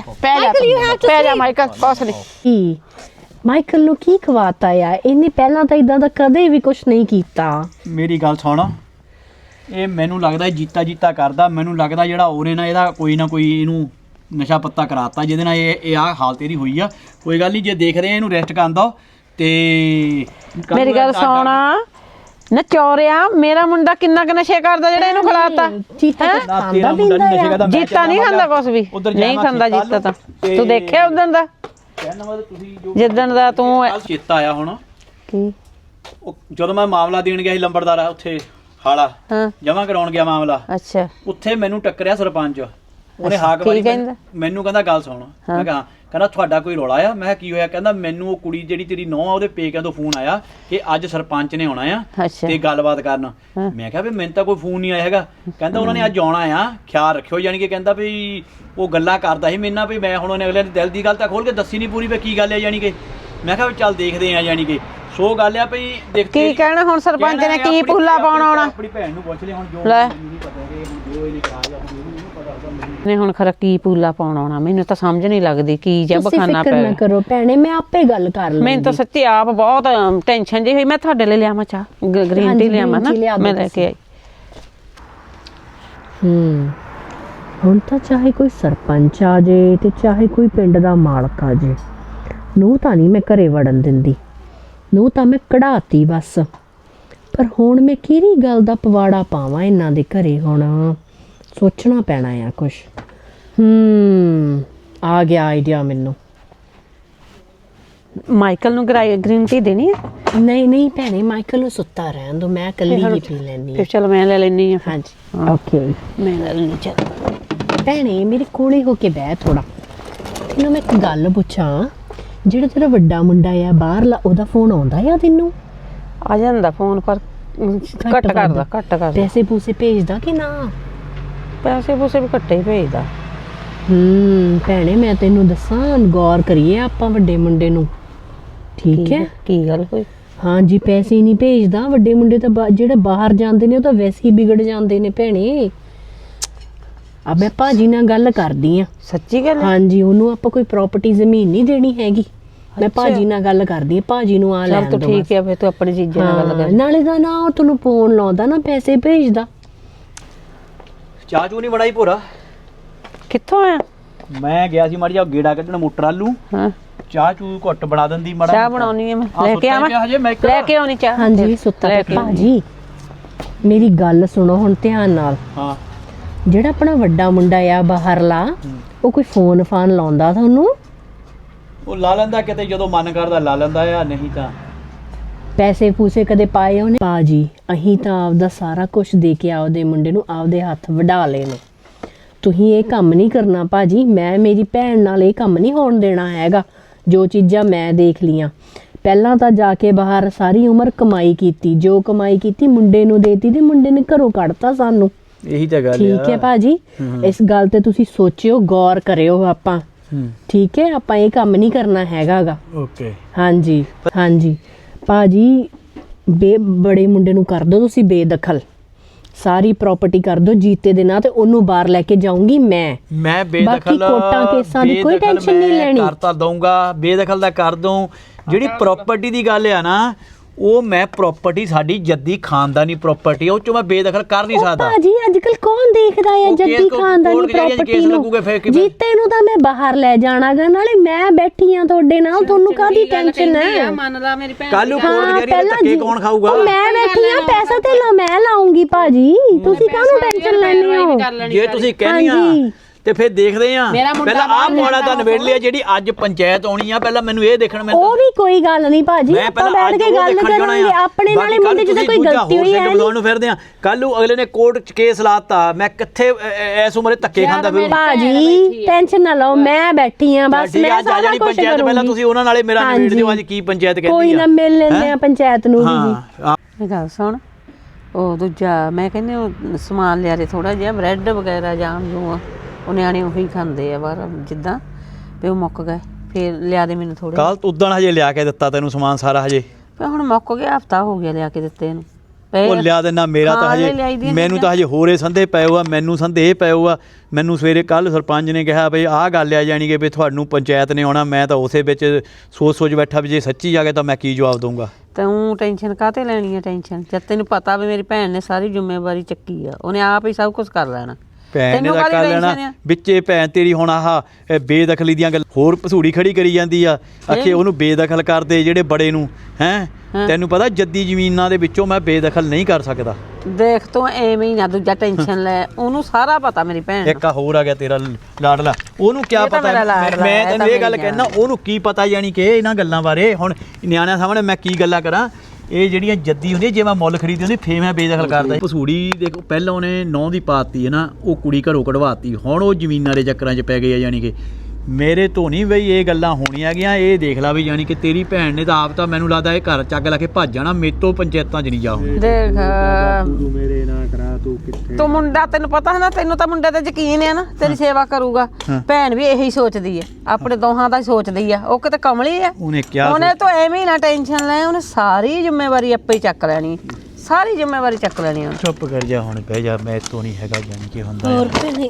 [SPEAKER 4] ਪੈ ਜਾ ਮਾਈਕਲ ਕੁਛ ਨਹੀਂ
[SPEAKER 6] ਕੀ ਮਾਈਕਲ ਨੂੰ ਕੀ ਖਵਾਤਾ ਆ ਇਹਨੇ ਪਹਿਲਾਂ ਤਾਂ ਇਦਾਂ ਦਾ ਕਦੇ ਵੀ ਕੁਝ ਨਹੀਂ ਕੀਤਾ
[SPEAKER 3] ਮੇਰੀ ਗੱਲ ਸੁਣ ਇਹ ਮੈਨੂੰ ਲੱਗਦਾ ਜੀਤਾ ਕਰਦਾ ਮੈਨੂੰ ਲੱਗਦਾ ਜਿਹੜਾ ਉਹਨੇ ਨਾ ਇਹਦਾ ਕੋਈ ਨਾ ਕੋਈ ਇਹਨੂੰ ਨਸ਼ਾ ਪੱਤਾ ਕਰਾਤਾ ਜਿਹਦੇ ਨਾਲ ਇਹ ਆ ਹਾਲ ਤੇਰੀ ਹੋਈ ਆ ਕੋਈ ਗੱਲ ਨਹੀਂ ਜੇ ਦੇਖਦੇ ਆ ਇਹਨੂੰ ਰੈਸਟ ਕਰਨ ਦੋ ਤੇ
[SPEAKER 4] ਮੇਰੀ ਗੱਲ ਸੁਣ ਨਚੋਰਿਆ ਮੇਰਾ ਮੁੰਡਾ ਕਿੰਨਾ ਕੁ ਨਸ਼ੇ ਕਰਦਾ ਜਿਹੜਾ ਇਹਨੂੰ ਖਿਲਾਤਾ
[SPEAKER 6] ਚੀਤਾ ਕੁਛ
[SPEAKER 3] ਨਾ
[SPEAKER 6] ਖਾਂਦਾ
[SPEAKER 3] ਤੇਰਾ ਮੁੰਡਾ
[SPEAKER 6] ਪੀਂਦਾ
[SPEAKER 3] ਨਹੀਂ ਨਸ਼ੇ
[SPEAKER 6] ਆ
[SPEAKER 3] ਕਰਦਾ
[SPEAKER 4] ਜੀਤਾ ਨਹੀਂ ਖਾਂਦਾ ਕੁਛ ਵੀ ਨਹੀਂ ਖਾਂਦਾ ਜੀਤਾ ਤਾਂ ਤੂੰ ਦੇਖਿਆ ਉਦੋਂ ਦਾ
[SPEAKER 3] ਕਹਿਣ ਦਾ ਮਤਲਬ ਤੁਸੀਂ ਜੋ
[SPEAKER 4] ਜਿੱਦਣ ਦਾ ਤੂੰ
[SPEAKER 3] ਕੱਲ ਚੇਤਾ ਆਇਆ ਹੁਣ
[SPEAKER 4] ਕੀ
[SPEAKER 3] ਉਹ ਜਦੋਂ ਮੈਂ ਮਾਮਲਾ ਦੇਣ ਗਿਆ ਸੀ ਲੰਬੜਦਾਰ ਆ ਉੱਥੇ ਹਾਲਾ
[SPEAKER 4] ਹਾਂ
[SPEAKER 3] ਜਮਾ ਕਰਾਉਣ ਗਿਆ ਮਾਮਲਾ
[SPEAKER 4] ਅੱਛਾ
[SPEAKER 3] ਉੱਥੇ ਮੈਨੂੰ ਟੱਕਰਿਆ ਸਰਪੰਚ ਉਹਨੇ ਹਾਕ
[SPEAKER 4] ਕੀ
[SPEAKER 3] ਮਾਰੀ
[SPEAKER 4] ਕਹਿੰਦਾ?
[SPEAKER 3] ਮੈਨੂੰ ਕਹਿੰਦਾ ਗੱਲ ਸੁਣ ਮੈਂ ਕਿਹਾ ਕਹਿੰਦਾ ਤੁਹਾਡਾ ਕੋਈ ਰੌਲਾ ਆ ਮੈਂ ਕਿਹਾ ਕੀ ਹੋਇਆ ਕਹਿੰਦਾ ਮੈਨੂੰ ਉਹ ਕੁੜੀ ਜਿਹੜੀ ਤੇਰੀ ਨੌਂ ਆ ਉਹਦੇ ਪੇਕਿਆਂ ਤੋਂ ਫੋਨ ਆਇਆ ਕਿ ਅੱਜ ਸਰਪੰਚ ਨੇ ਆਉਣਾ ਆ
[SPEAKER 4] ਅੱਛਾ
[SPEAKER 3] ਤੇ ਗੱਲਬਾਤ ਕਰਨ ਮੈਂ ਕਿਹਾ ਵੀ ਮੈਨੂੰ ਤਾਂ ਕੋਈ ਫੋਨ ਨਹੀਂ ਆਇਆ ਹੈਗਾ ਕਹਿੰਦਾ ਉਹਨਾਂ ਨੇ ਅੱਜ ਆਉਣਾ ਆ ਖਿਆਲ ਰੱਖਿਓ ਯਾਨੀ ਕਿ ਕਹਿੰਦਾ ਵੀ ਉਹ ਗੱਲਾਂ ਕਰਦਾ ਸੀ ਮੇਰੇ ਨਾਲ ਵੀ ਮੈਂ ਹੁਣ ਉਹਨੇ ਅਗਲੇ ਨੇ ਦਿਲ ਦੀ ਗੱਲ ਤਾਂ ਖੋਲ ਕੇ ਦੱਸੀ ਨਹੀਂ ਪੂਰੀ ਵੀ ਕੀ ਗੱਲ ਹੈ ਯਾਨੀ ਕਿ ਮੈਂ ਕਿਹਾ ਵੀ ਚੱਲ ਦੇਖਦੇ ਆ ਯਾਨੀ ਕਿ ਸੋ ਗੱਲ ਆ ਭਈ ਦੇਖ
[SPEAKER 4] ਕੀ ਕਹਿਣਾ ਹੁਣ ਸਰਪੰਚ ਨੇ ਕੀ ਪੁੱਲਾ ਪਾਉਣ ਆਉਣਾ
[SPEAKER 3] ਆਪਣੀ ਭੈਣ ਨੂੰ ਪੁੱਛ ਲਿਆ ਹੁਣ ਜੋ
[SPEAKER 4] ਲੈ।
[SPEAKER 3] ਮੈਨੂੰ ਨਹੀਂ ਪਤਾ ਕਿ ਹੁਣ ਜੋ ਇਹਨੇ ਕਰਾ ਲਿਆ ਮੈਨੂੰ ਨਹੀਂ ਪਤਾ ਉਹਦਾ
[SPEAKER 4] ਨੇ ਹੁਣ ਖਰਾ ਕੀ ਪੁੱਲਾ ਪਾਉਣ ਆਉਣਾ ਮੈਨੂੰ ਤਾਂ ਸਮਝ ਨਹੀਂ ਲੱਗਦੀ ਕੀ ਜਬ
[SPEAKER 6] ਤੁਸੀਂ
[SPEAKER 4] ਖਾਣਾ
[SPEAKER 6] ਫਿਕਰ ਨਾ
[SPEAKER 4] ਪੈ
[SPEAKER 6] ਕਰੋ ਭੈਣੇ ਮੈਂ ਆਪੇ ਗੱਲ ਕਰ ਲਵਾਂਗੀ
[SPEAKER 4] ਮੈਨੂੰ ਤਾਂ ਸੱਚੀ ਆਪ ਬਹੁਤ ਟੈਨਸ਼ਨ ਜਿਹੀ ਹੋਈ ਮੈਂ ਤੁਹਾਡੇ ਲਈ ਲਿਆਵਾਂ ਚਾਹ ਗ੍ਰੀਨ
[SPEAKER 6] ਹਾਂਜੀ,
[SPEAKER 4] ਟੀ ਲਿਆਵਾਂ ਨਾ
[SPEAKER 6] green tea ਲਿਆ ਦਿਓ
[SPEAKER 4] ਮੈਂ ਲੈ ਕੇ ਆਈ
[SPEAKER 6] ਹੁਣ ਤਾਂ ਚਾਹੇ ਕੋਈ ਸਰਪੰਚ ਆ ਜੇ ਤੇ ਚਾਹੇ ਕੋਈ ਪਿੰਡ ਦਾ ਮਾਲਕ ਆ ਜੇ ਨੂੰ ਤਾਂ ਨਹੀਂ ਮੈਂ ਘਰੇ ਵੜਨ ਦਿੰਦੀ ਨੂੰ ਤਾਂ ਮੈਂ ਕਢਾਤੀ ਬਸ ਪਰ ਹੁਣ ਮੈਂ ਕਿਹੜੀ ਗੱਲ ਦਾ ਪਵਾੜਾ ਪਾਵਾਂ ਇਹਨਾਂ ਦੇ ਘਰੇ ਹੁਣ ਸੋਚਣਾ ਪੈਣਾ ਆ ਕੁਛ ਆ ਗਿਆ ਆਈਡੀਆ ਮੈਨੂੰ
[SPEAKER 4] ਮਾਈਕਲ ਨੂੰ ਗ੍ਰੀਨ ਟੀ ਦੇਣੀ ਹੈ
[SPEAKER 6] ਨਹੀਂ ਭੈਣੇ ਮਾਈਕਲ ਨੂੰ ਸੁੱਤਾ ਰਹਿਣ ਦੋ ਮੈਂ ਇਕੱਲੀ ਹੀ ਪੀ ਲੈਣੀ
[SPEAKER 4] ਫਿਰ ਚਲ ਮੈਂ ਲੈ ਲੈਣੀ ਆ
[SPEAKER 6] ਹਾਂਜੀ ਓਕੇ
[SPEAKER 4] ਮੈਂ ਲੈ ਲੈਣੀ ਚੱਲ
[SPEAKER 6] ਭੈਣੇ ਮੇਰੇ ਕੋਲੇ ਹੋ ਕੇ ਬਹਿ ਥੋੜਾ ਤੈਨੂੰ ਮੈਂ ਇੱਕ ਗੱਲ ਪੁੱਛਾਂ ਜਿਹੜਾ ਤੇਰਾ ਵੱਡਾ ਮੁੰਡਾ ਆ ਬਾਹਰਲਾ ਉਹਦਾ ਫੋਨ ਆਉਂਦਾ ਆ ਤੈਨੂੰ
[SPEAKER 4] ਆ ਜਾਂਦਾ ਫੋਨ ਪਰ ਘੱਟ ਕਰਦਾ
[SPEAKER 6] ਪੈਸੇ ਪੂਸੇ ਭੇਜਦਾ ਕਿ ਨਾ
[SPEAKER 4] ਪੈਸੇ ਪੂਸੇ ਵੀ ਘੱਟੇ ਹੀ ਭੇਜਦਾ
[SPEAKER 6] ਭੈਣੇ ਮੈਂ ਤੈਨੂੰ ਦੱਸਾਂ ਗੌਰ ਕਰੀਏ ਆਪਾਂ ਵੱਡੇ ਮੁੰਡੇ ਨੂੰ ਠੀਕ ਹੈ
[SPEAKER 4] ਕੀ ਗੱਲ ਹੋਈ
[SPEAKER 6] ਹਾਂਜੀ ਪੈਸੇ ਨਹੀਂ ਭੇਜਦਾ ਵੱਡੇ ਮੁੰਡੇ ਤਾਂ ਜਿਹੜੇ ਬਾਹਰ ਜਾਂਦੇ ਨੇ ਉਹ ਤਾਂ ਵੈਸੇ ਹੀ ਵਿਗੜ ਜਾਂਦੇ ਨੇ ਭੈਣੇ ਆ ਮੈਂ ਭਾਜੀ ਨਾਲ ਗੱਲ ਕਰਦੀ ਆ
[SPEAKER 4] ਸੱਚੀ ਗੱਲ ਹੈ?
[SPEAKER 6] ਹਾਂਜੀ ਉਹਨੂੰ ਆਪਾਂ ਕੋਈ ਪ੍ਰਾਪਰਟੀ ਜ਼ਮੀਨ ਨਹੀਂ ਦੇਣੀ ਹੈਗੀ ਮੈਂ ਭਾਜੀ ਨਾਲ ਗੱਲ ਕਰਦੀ ਆ ਭਾਜੀ ਨੂੰ ਆ
[SPEAKER 4] ਚੱਲ
[SPEAKER 6] ਲੈਣ
[SPEAKER 4] ਤੂੰ
[SPEAKER 6] ਦੋ
[SPEAKER 4] ਠੀਕ ਹੈ ਫਿਰ ਤੂੰ ਆਪਣੀ ਚੀਜ਼ਾਂ ਨਾਲ ਗੱਲ ਕਰ
[SPEAKER 6] ਨਾਲੇ ਦਾ ਨਾ ਉਹ ਤੈਨੂੰ ਫੋਨ ਲਾਉਂਦਾ ਨਾ ਪੈਸੇ ਭੇਜਦਾ
[SPEAKER 3] ਚਾਹ ਚੂ ਨਹੀਂ ਬਣਾਈ ਭੋਰਾ
[SPEAKER 4] ਕਿੱਥੋਂ ਆਇਆ
[SPEAKER 3] ਮੈਂ ਗਿਆ ਸੀ ਮਾੜੀ ਜਿਹਾ ਗੇੜਾ ਕੱਢਣ ਮੋਟਰ ਆਲੂ
[SPEAKER 4] ਹਾਂ
[SPEAKER 3] ਚਾਹ ਚੂ ਘੁੱਟ ਬਣਾ ਦਿੰਦੀ ਮਾੜਾ
[SPEAKER 4] ਚਾਹ ਬਣਾਉਣੀ ਹੈ ਮੈਂ ਲੈ ਕੇ ਆਵਾਂ ਲੈ ਕੇ ਆਉਣੀ ਚਾਹ
[SPEAKER 6] ਹਾਂਜੀ ਸੁੱਤਾ
[SPEAKER 4] ਲੈ
[SPEAKER 6] ਪਿਆ।
[SPEAKER 4] ਕੇ
[SPEAKER 6] ਭਾਜੀ ਮੇਰੀ ਗੱਲ ਸੁਣੋ ਹੁਣ ਧਿਆਨ ਨਾਲ
[SPEAKER 3] ਹਾਂ
[SPEAKER 6] ਜਿਹੜਾ ਆਪਣਾ ਵੱਡਾ ਮੁੰਡਾ ਆ ਬਾਹਰਲਾ ਉਹ ਕੋਈ ਫੋਨ ਫਾਨ ਲਾਉਂਦਾ ਤੁਹਾਨੂੰ
[SPEAKER 3] ਉਹ ਲਾ ਲੈਂਦਾ ਕਿਤੇ ਜਦੋਂ ਮਨ ਕਰਦਾ ਲਾ ਲੈਂਦਾ ਆ ਨਹੀਂ ਤਾਂ
[SPEAKER 6] ਪੈਸੇ ਪੂਸੇ ਕਦੇ ਪਾਏ ਉਹਨੇ ਭਾਜੀ ਅਹੀਂ ਤਾਂ ਆਪਦਾ ਸਾਰਾ ਕੁਝ ਦੇ ਕੇ ਆਪਦੇ ਮੁੰਡੇ ਨੂੰ ਆਪਦੇ ਹੱਥ ਵਢਾ ਲਏ ਨੇ ਤੁਸੀਂ ਇਹ ਕੰਮ ਨਹੀਂ ਕਰਨਾ ਭਾਜੀ ਮੈਂ ਮੇਰੀ ਭੈਣ ਨਾਲ ਇਹ ਕੰਮ ਨਹੀਂ ਹੋਣ ਦੇਣਾ ਹੈਗਾ ਜੋ ਚੀਜ਼ਾਂ ਮੈਂ ਦੇਖ ਲੀਆਂ ਪਹਿਲਾਂ ਤਾਂ ਜਾ ਕੇ ਬਾਹਰ ਸਾਰੀ ਉਮਰ ਕਮਾਈ ਕੀਤੀ ਜੋ ਕਮਾਈ ਕੀਤੀ ਮੁੰਡੇ ਨੂੰ ਦੇਤੀ ਤੇ ਮੁੰਡੇ ਨੇ ਘਰੋਂ ਕੱਢਤਾ ਸਾਨੂੰ
[SPEAKER 3] ਇਹੀ ਤਾਂ ਗੱਲ
[SPEAKER 6] ਠੀਕ ਹੈ ਭਾਜੀ ਇਸ ਗੱਲ ਤੇ ਤੁਸੀਂ ਸੋਚਿਓ ਗੌਰ ਕਰਿਓ ਆਪਾਂ ਠੀਕ ਹੈ ਆਪਾਂ ਇਹ ਕੰਮ ਨਹੀਂ ਕਰਨਾ ਹੈਗਾਗਾ
[SPEAKER 3] ਓਕੇ
[SPEAKER 6] ਹਾਂਜੀ ਭਾਜੀ ਬੜੇ ਮੁੰਡੇ ਨੂੰ ਕਰ ਦਿਓ ਤੁਸੀਂ ਬੇਦਖਲ, ਸਾਰੀ ਪ੍ਰਾਪਰਟੀ ਕਰ ਦਿਓ ਜੀਤੇ ਦੇ ਨਾਂ ਤੇ, ਉਹਨੂੰ ਬਾਹਰ ਲੈ ਕੇ ਜਾਊਂਗੀ ਮੈਂ
[SPEAKER 3] ਬੇਦਖਲ
[SPEAKER 6] ਬਾਕੀ ਕੋਟਾਂ ਕੇਸਾਂ ਦੀ ਕੋਈ ਟੈਨਸ਼ਨ ਨਹੀਂ ਲੈਣੀ।
[SPEAKER 3] ਕਰਤਾ ਦਊਂਗਾ, ਬੇਦਖਲ ਦਾ ਕਰ ਦਊਂ। ਜਿਹੜੀ ਪ੍ਰਾਪਰਟੀ ਦੀ ਗੱਲ ਆ ਨਾ, ਉਹ ਮੈਂ ਪ੍ਰਾਪਰਟੀ ਸਾਡੀ ਜੱਦੀ ਖਾਨਦਾਨੀ ਪ੍ਰਾਪਰਟੀ, ਉਹ ਚੋਂ ਮੈਂ ਬੇਦਖਲ ਕਰ ਨਹੀਂ ਸਕਦਾ।
[SPEAKER 6] ਭਾਜੀ ਅੱਜ ਕੱਲ ਕੌਣ ਦੇਖਦਾ ਹੈ ਜੱਦੀ ਖਾਨਦਾਨੀ ਪ੍ਰਾਪਰਟੀ ਨੂੰ? ਜੀਤੇ ਨੂੰ ਤਾਂ ਮੈਂ ਬਾਹਰ ਲੈ ਜਾਣਾਗਾ, ਨਾਲੇ ਮੈਂ ਬੈਠੀ ਆ ਤੁਹਾਡੇ ਨਾਲ, ਤੁਹਾਨੂੰ ਕਾਹਦੀ ਟੈਨਸ਼ਨ ਹੈ?
[SPEAKER 4] ਮੰਨ ਲਾ ਮੇਰੀ ਭੈਣ
[SPEAKER 3] ਕੱਲ ਨੂੰ ਕੋਰਟ ਕਚਹਿਰੀ ਦੇ ਧੱਕੇ ਕੌਣ ਖਾਊਗਾ?
[SPEAKER 6] ਮੈਂ ਬੈਠੀ ਆ, ਪੈਸਾ ਤੇ ਮੈਂ ਲਾਉਂਗੀ ਭਾਜੀ, ਤੁਸੀਂ ਕਾਹਨੂੰ ਟੈਨਸ਼ਨ ਲੈਣੀ ਹੋ?
[SPEAKER 3] ਜੇ ਤੁਸੀਂ ਕਹਿੰਦੀਆਂ ਤੇ ਫਿਰ ਦੇਖਦੇ ਆ। ਪਹਿਲਾਂ ਆਹ ਮੋੜਾ ਤਾਂ ਨਵੇੜ ਲਿਆ, ਜਿਹੜੀ ਅੱਜ ਪੰਚਾਇਤ ਆਉਣੀ ਆ, ਪਹਿਲਾਂ ਮੈਨੂੰ ਇਹ ਦੇਖਣ।
[SPEAKER 6] ਉਹ ਵੀ ਕੋਈ ਗੱਲ ਨਹੀਂ ਭਾਜੀ, ਆਪਾਂ ਬੈਠ ਕੇ ਗੱਲ ਕਰਾਂਗੇ। ਆਪਣੇ ਨਾਲੇ ਮੁੰਡੇ ਜਦੋਂ ਕੋਈ ਗਲਤੀ ਹੋਈ ਹੈ
[SPEAKER 3] ਬੁਲਾਉਣ ਨੂੰ ਫਿਰਦੇ ਆ, ਕੱਲ ਨੂੰ ਅਗਲੇ ਨੇ ਕੋਰਟ 'ਚ ਕੇਸ ਲਾਤਾ, ਮੈਂ ਕਿੱਥੇ ਇਸ ਉਮਰੇ ਧੱਕੇ ਖਾਂਦਾ ਫਿਰ?
[SPEAKER 6] ਭਾਜੀ ਟੈਨਸ਼ਨ ਨਾ ਲਓ, ਮੈਂ ਬੈਠੀ ਆ ਬਸ, ਮੈਂ ਸਾਰਾ ਕੁਝ
[SPEAKER 3] ਪੰਚਾਇਤ ਪਹਿਲਾਂ ਤੁਸੀਂ ਉਹਨਾਂ ਨਾਲੇ ਮੇਰਾ ਨਵੇੜ ਦਿਓ, ਅੱਜ ਕੀ ਪੰਚਾਇਤ ਕਹਿੰਦੀ ਆ।
[SPEAKER 6] ਕੋਈ ਨਾ ਮਿਲ ਲੈਂਦੇ ਆ ਪੰਚਾਇਤ ਨੂੰ ਵੀ ਜੀ।
[SPEAKER 4] ਇਹ ਗੱਲ ਸੁਣ, ਉਹ ਦੂਜਾ ਮੈਂ ਕਹਿੰਦੀ ਉਹ ਸਮਾਨ ਲਿਆ ਦੇ ਥੋੜਾ ਜਿਹਾ, ਬ੍ਰੈਡ ਵਗੈਰਾ ਜਾਮ ਜੂਆ, ਉਹ ਨਿਆਣੇ ਉਹੀ ਖਾਂਦੇ ਆ ਬਾਹਰ, ਜਿੱਦਾਂ ਵੀ ਉਹ ਮੁੱਕ ਗਏ, ਫਿਰ ਲਿਆ ਦੇ ਮੈਨੂੰ ਥੋੜੇ।
[SPEAKER 3] ਕੱਲ ਉਦੋਂ ਹਜੇ ਲਿਆ ਕੇ ਦਿੱਤਾ ਤੈਨੂੰ ਸਮਾਨ ਸਾਰਾ, ਹਜੇ
[SPEAKER 4] ਹੁਣ ਮੁੱਕ ਗਿਆ, ਹਫਤਾ ਹੋ ਗਿਆ ਲਿਆ ਕੇ ਦਿੱਤੇ ਇਹਨੂੰ।
[SPEAKER 3] ਉਹ ਲਿਆ ਦੇਣਾ, ਮੇਰਾ ਤਾਂ ਹਜੇ, ਮੈਨੂੰ ਤਾਂ ਹਜੇ ਹੋਰੇ ਸੰਦੇ ਪਏ ਹੋ ਆ, ਮੈਨੂੰ ਸੰਦੇ ਪਏ ਹੋ ਆ। ਮੈਨੂੰ ਸਵੇਰੇ ਕੱਲ ਸਰਪੰਚ ਨੇ ਕਿਹਾ ਬਈ ਆਹ ਗੱਲ ਆ ਜਾਣੀ ਕਿ ਵੀ ਤੁਹਾਨੂੰ ਪੰਚਾਇਤ ਨੇ ਆਉਣਾ। ਮੈਂ ਤਾਂ ਉਸੇ ਵਿੱਚ ਸੋਚ ਬੈਠਾ ਵੀ ਜੇ ਸੱਚੀ ਜਾ ਕੇ ਤਾਂ ਮੈਂ ਕੀ ਜਵਾਬ ਦਊਂਗਾ।
[SPEAKER 4] ਤੂੰ ਟੈਨਸ਼ਨ ਕਾਹਤੇ ਲੈਣੀ ਹੈ? ਟੈਨਸ਼ਨ ਜਦ ਤੈਨੂੰ ਪਤਾ ਵੀ ਮੇਰੀ ਭੈਣ ਨੇ ਸਾਰੀ ਜ਼ਿੰਮੇਵਾਰੀ ਚੱਕੀ ਆ, ਉਹਨੇ ਆਪ ਹੀ ਸਭ ਕੁਝ ਕਰ ਲੈਣਾ।
[SPEAKER 3] ਭੈਣ ਨੇ ਤਾਂ ਕਰ ਲੈਣਾ ਵਿੱਚੇ। ਭੈਣ ਤੇਰੀ ਹੁਣ ਆਹ ਬੇਦਖਲੀ ਦੀਆਂ ਗੱਲ ਹੋਰ ਭਸੂੜੀ ਖੜੀ ਕਰੀ ਜਾਂਦੀ ਆ, ਆਖੇ ਉਹਨੂੰ ਬੇਦਖਲ ਕਰਦੇ ਜਿਹੜੇ ਬੜੇ ਨੂੰ। ਹੈ ਤੈਨੂੰ ਪਤਾ ਜੱਦੀ ਜ਼ਮੀਨਾਂ ਦੇ ਵਿੱਚੋਂ ਮੈਂ ਬੇਦਖਲ ਨਹੀਂ ਕਰ ਸਕਦਾ।
[SPEAKER 4] ਦੇਖ ਤੂੰ ਐਵੇਂ ਹੀ ਨਾ ਦੂਜਾ ਟੈਨਸ਼ਨ ਲੈ, ਉਹਨੂੰ ਸਾਰਾ ਪਤਾ ਮੇਰੀ ਭੈਣ।
[SPEAKER 3] ਇੱਕ ਹੋਰ ਆ ਗਿਆ ਤੇਰਾ ਲਾਡਲਾ, ਉਹਨੂੰ ਕੀ ਪਤਾ? ਮੈਂ ਤੈਨੂੰ ਇਹ ਗੱਲ ਕਹਿਣਾ, ਉਹਨੂੰ ਕੀ ਪਤਾ ਯਾਨੀ ਕਿ ਇਹਨਾਂ ਗੱਲਾਂ ਬਾਰੇ। ਹੁਣ ਨਿਆਣਿਆਂ ਸਾਹਮਣੇ ਮੈਂ ਕੀ ਗੱਲਾਂ ਕਰਾਂ? ਇਹ ਜਿਹੜੀਆਂ ਜੱਦੀ ਹੁੰਦੀਆਂ, ਜੇ ਮੈਂ ਮੁੱਲ ਖਰੀਦੀ ਹੁੰਦੀ ਫੇਰ ਮੈਂ ਬੇਦਖਲ ਕਰਦਾ। ਭਸੂੜੀ ਦੇਖੋ, ਪਹਿਲਾਂ ਉਹਨੇ 9 ਦੀ ਪਾਤੀ ਹੈ ਨਾ, ਉਹ ਕੁੜੀ ਘਰੋਂ ਕਢਵਾਤੀ, ਹੁਣ ਉਹ ਜ਼ਮੀਨਾਂ ਦੇ ਚੱਕਰਾਂ 'ਚ ਪੈ ਗਏ ਆ। ਯਾਨੀ ਕਿ ਮੇਰੇ ਤੋਂ ਨਹੀਂ ਬਈ ਇਹ ਗੱਲਾਂ ਹੋਣੀਆਂ ਗੀਆਂ। ਇਹ ਦੇਖ ਲਾ ਵੀ ਯਾਨੀ ਕਿ ਤੇਰੀ ਭੈਣ ਨੇ ਤਾਂ ਆਪ ਤਾਂ ਮੈਨੂੰ ਲੱਗਦਾ ਇਹ ਘਰ ਚੱਕ ਲਾ ਕੇ ਭੱਜ ਜਾਣਾ, ਮੇਰੇ ਤੋਂ ਪੰਚਾਇਤਾਂ 'ਚ ਨਹੀਂ ਜਾ ਹੁਣ।
[SPEAKER 4] ਦੇਖ
[SPEAKER 1] ਤੂੰ ਮੇਰੇ ਨਾਲ ਕਰਾ, ਤੂੰ ਕਿੱਥੇ?
[SPEAKER 4] ਤੂੰ ਮੁੰਡਾ, ਤੈਨੂੰ ਪਤਾ ਹੈ ਨਾ, ਤੈਨੂੰ ਤਾਂ ਮੁੰਡੇ ਤੇ ਯਕੀਨ ਹੈ ਨਾ, ਤੇਰੀ ਸੇਵਾ ਕਰੂਗਾ। ਭੈਣ ਵੀ ਇਹੀ ਸੋਚਦੀ ਹੈ, ਆਪਣੇ ਦੋਹਾਂ ਦਾ ਸੋਚਦੀ ਆ। ਉਹ ਕਿਤੇ ਕਮਲੀ ਆ,
[SPEAKER 3] ਉਹਨੇ ਕਿਹਾ
[SPEAKER 4] ਉਹਨੇ ਤਾਂ ਐਵੇਂ ਹੀ ਨਾ ਟੈਨਸ਼ਨ ਲੈ, ਉਹਨੇ ਸਾਰੀ ਜ਼ਿੰਮੇਵਾਰੀ ਆਪੇ ਹੀ ਚੱਕ ਲੈਣੀ, ਸਾਰੀ ਜ਼ਿੰਮੇਵਾਰੀ ਚੱਕ ਲੈਣੀ ਉਹਨੇ।
[SPEAKER 3] ਚੁੱਪ ਕਰ ਜਾ ਹੁਣ, ਬਹਿ ਜਾ, ਮੈਂ ਤੋਂ ਨਹੀਂ ਹੈਗਾ ਯਾਨੀ ਕਿ ਹੁੰਦਾ।
[SPEAKER 6] ਹੋਰ ਭੈਣੇ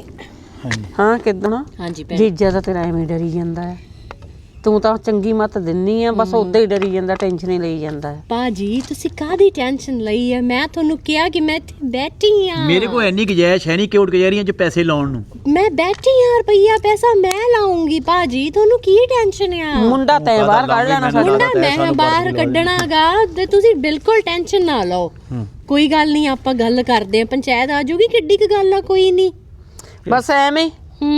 [SPEAKER 4] ਹਾਂ ਕਿੱਦਾਂ?
[SPEAKER 6] ਹਾਂਜੀ
[SPEAKER 4] ਜੀਜਾ ਤਾਂ ਤੇਰਾ ਐਵੇਂ ਡਰੀ ਜਾਂਦਾ ਹੈ, ਤੂੰ ਤਾਂ ਚੰਗੀ ਮੱਤ ਦਿੰਨੀ ਆ, ਬਸ ਉਦਾਂ ਹੀ ਡਰੀ ਜਾਂਦਾ, ਟੈਨਸ਼ਨ ਹੀ ਲਈ ਜਾਂਦਾ ਹੈ।
[SPEAKER 6] ਭਾਜੀ ਤੁਸੀਂ ਕਾਹਦੀ ਟੈਨਸ਼ਨ ਲਈ ਹੈ? ਮੈਂ ਤੁਹਾਨੂੰ ਕਿਹਾ ਕਿ ਮੈਂ ਇੱਥੇ ਬੈਠੀ ਆ,
[SPEAKER 3] ਮੇਰੇ ਕੋਲ ਇੰਨੀ ਗੁੰਜਾਇਸ਼ ਹੈ ਨਹੀਂ ਕੋਰਟ ਕਚਹਿਰੀਆਂ 'ਚ ਪੈਸੇ ਲਾਉਣ ਨੂੰ।
[SPEAKER 6] ਮੈਂ ਬੈਠੀ ਆ, ਰੁਪਈਆ ਪੈਸਾ ਮੈਂ ਲਾਉਂਗੀ ਭਾਜੀ, ਤੁਹਾਨੂੰ ਕੀ ਟੈਨਸ਼ਨ ਆ?
[SPEAKER 4] ਮੁੰਡਾ ਤੈਂ ਬਾਹਰ ਕੱਢ ਲੈਣਾ ਸਾਡਾ।
[SPEAKER 6] ਮੁੰਡਾ ਮੈਂ ਬਾਹਰ ਕੱਢਣਾਗਾ ਤੇ ਤੁਸੀਂ ਬਿਲਕੁਲ ਟੈਨਸ਼ਨ ਨਾ ਲਓ। ਕੋਈ ਗੱਲ ਨਹੀਂ, ਆਪਾਂ ਗੱਲ ਕਰਦੇ ਆ, ਪੰਚਾਇਤ ਆ ਜਾਊਗੀ, ਕਿੱਡੀ ਕੁ ਗੱਲ ਆ, ਕੋਈ ਨਹੀਂ,
[SPEAKER 4] ਬਸ ਐਵੇਂ।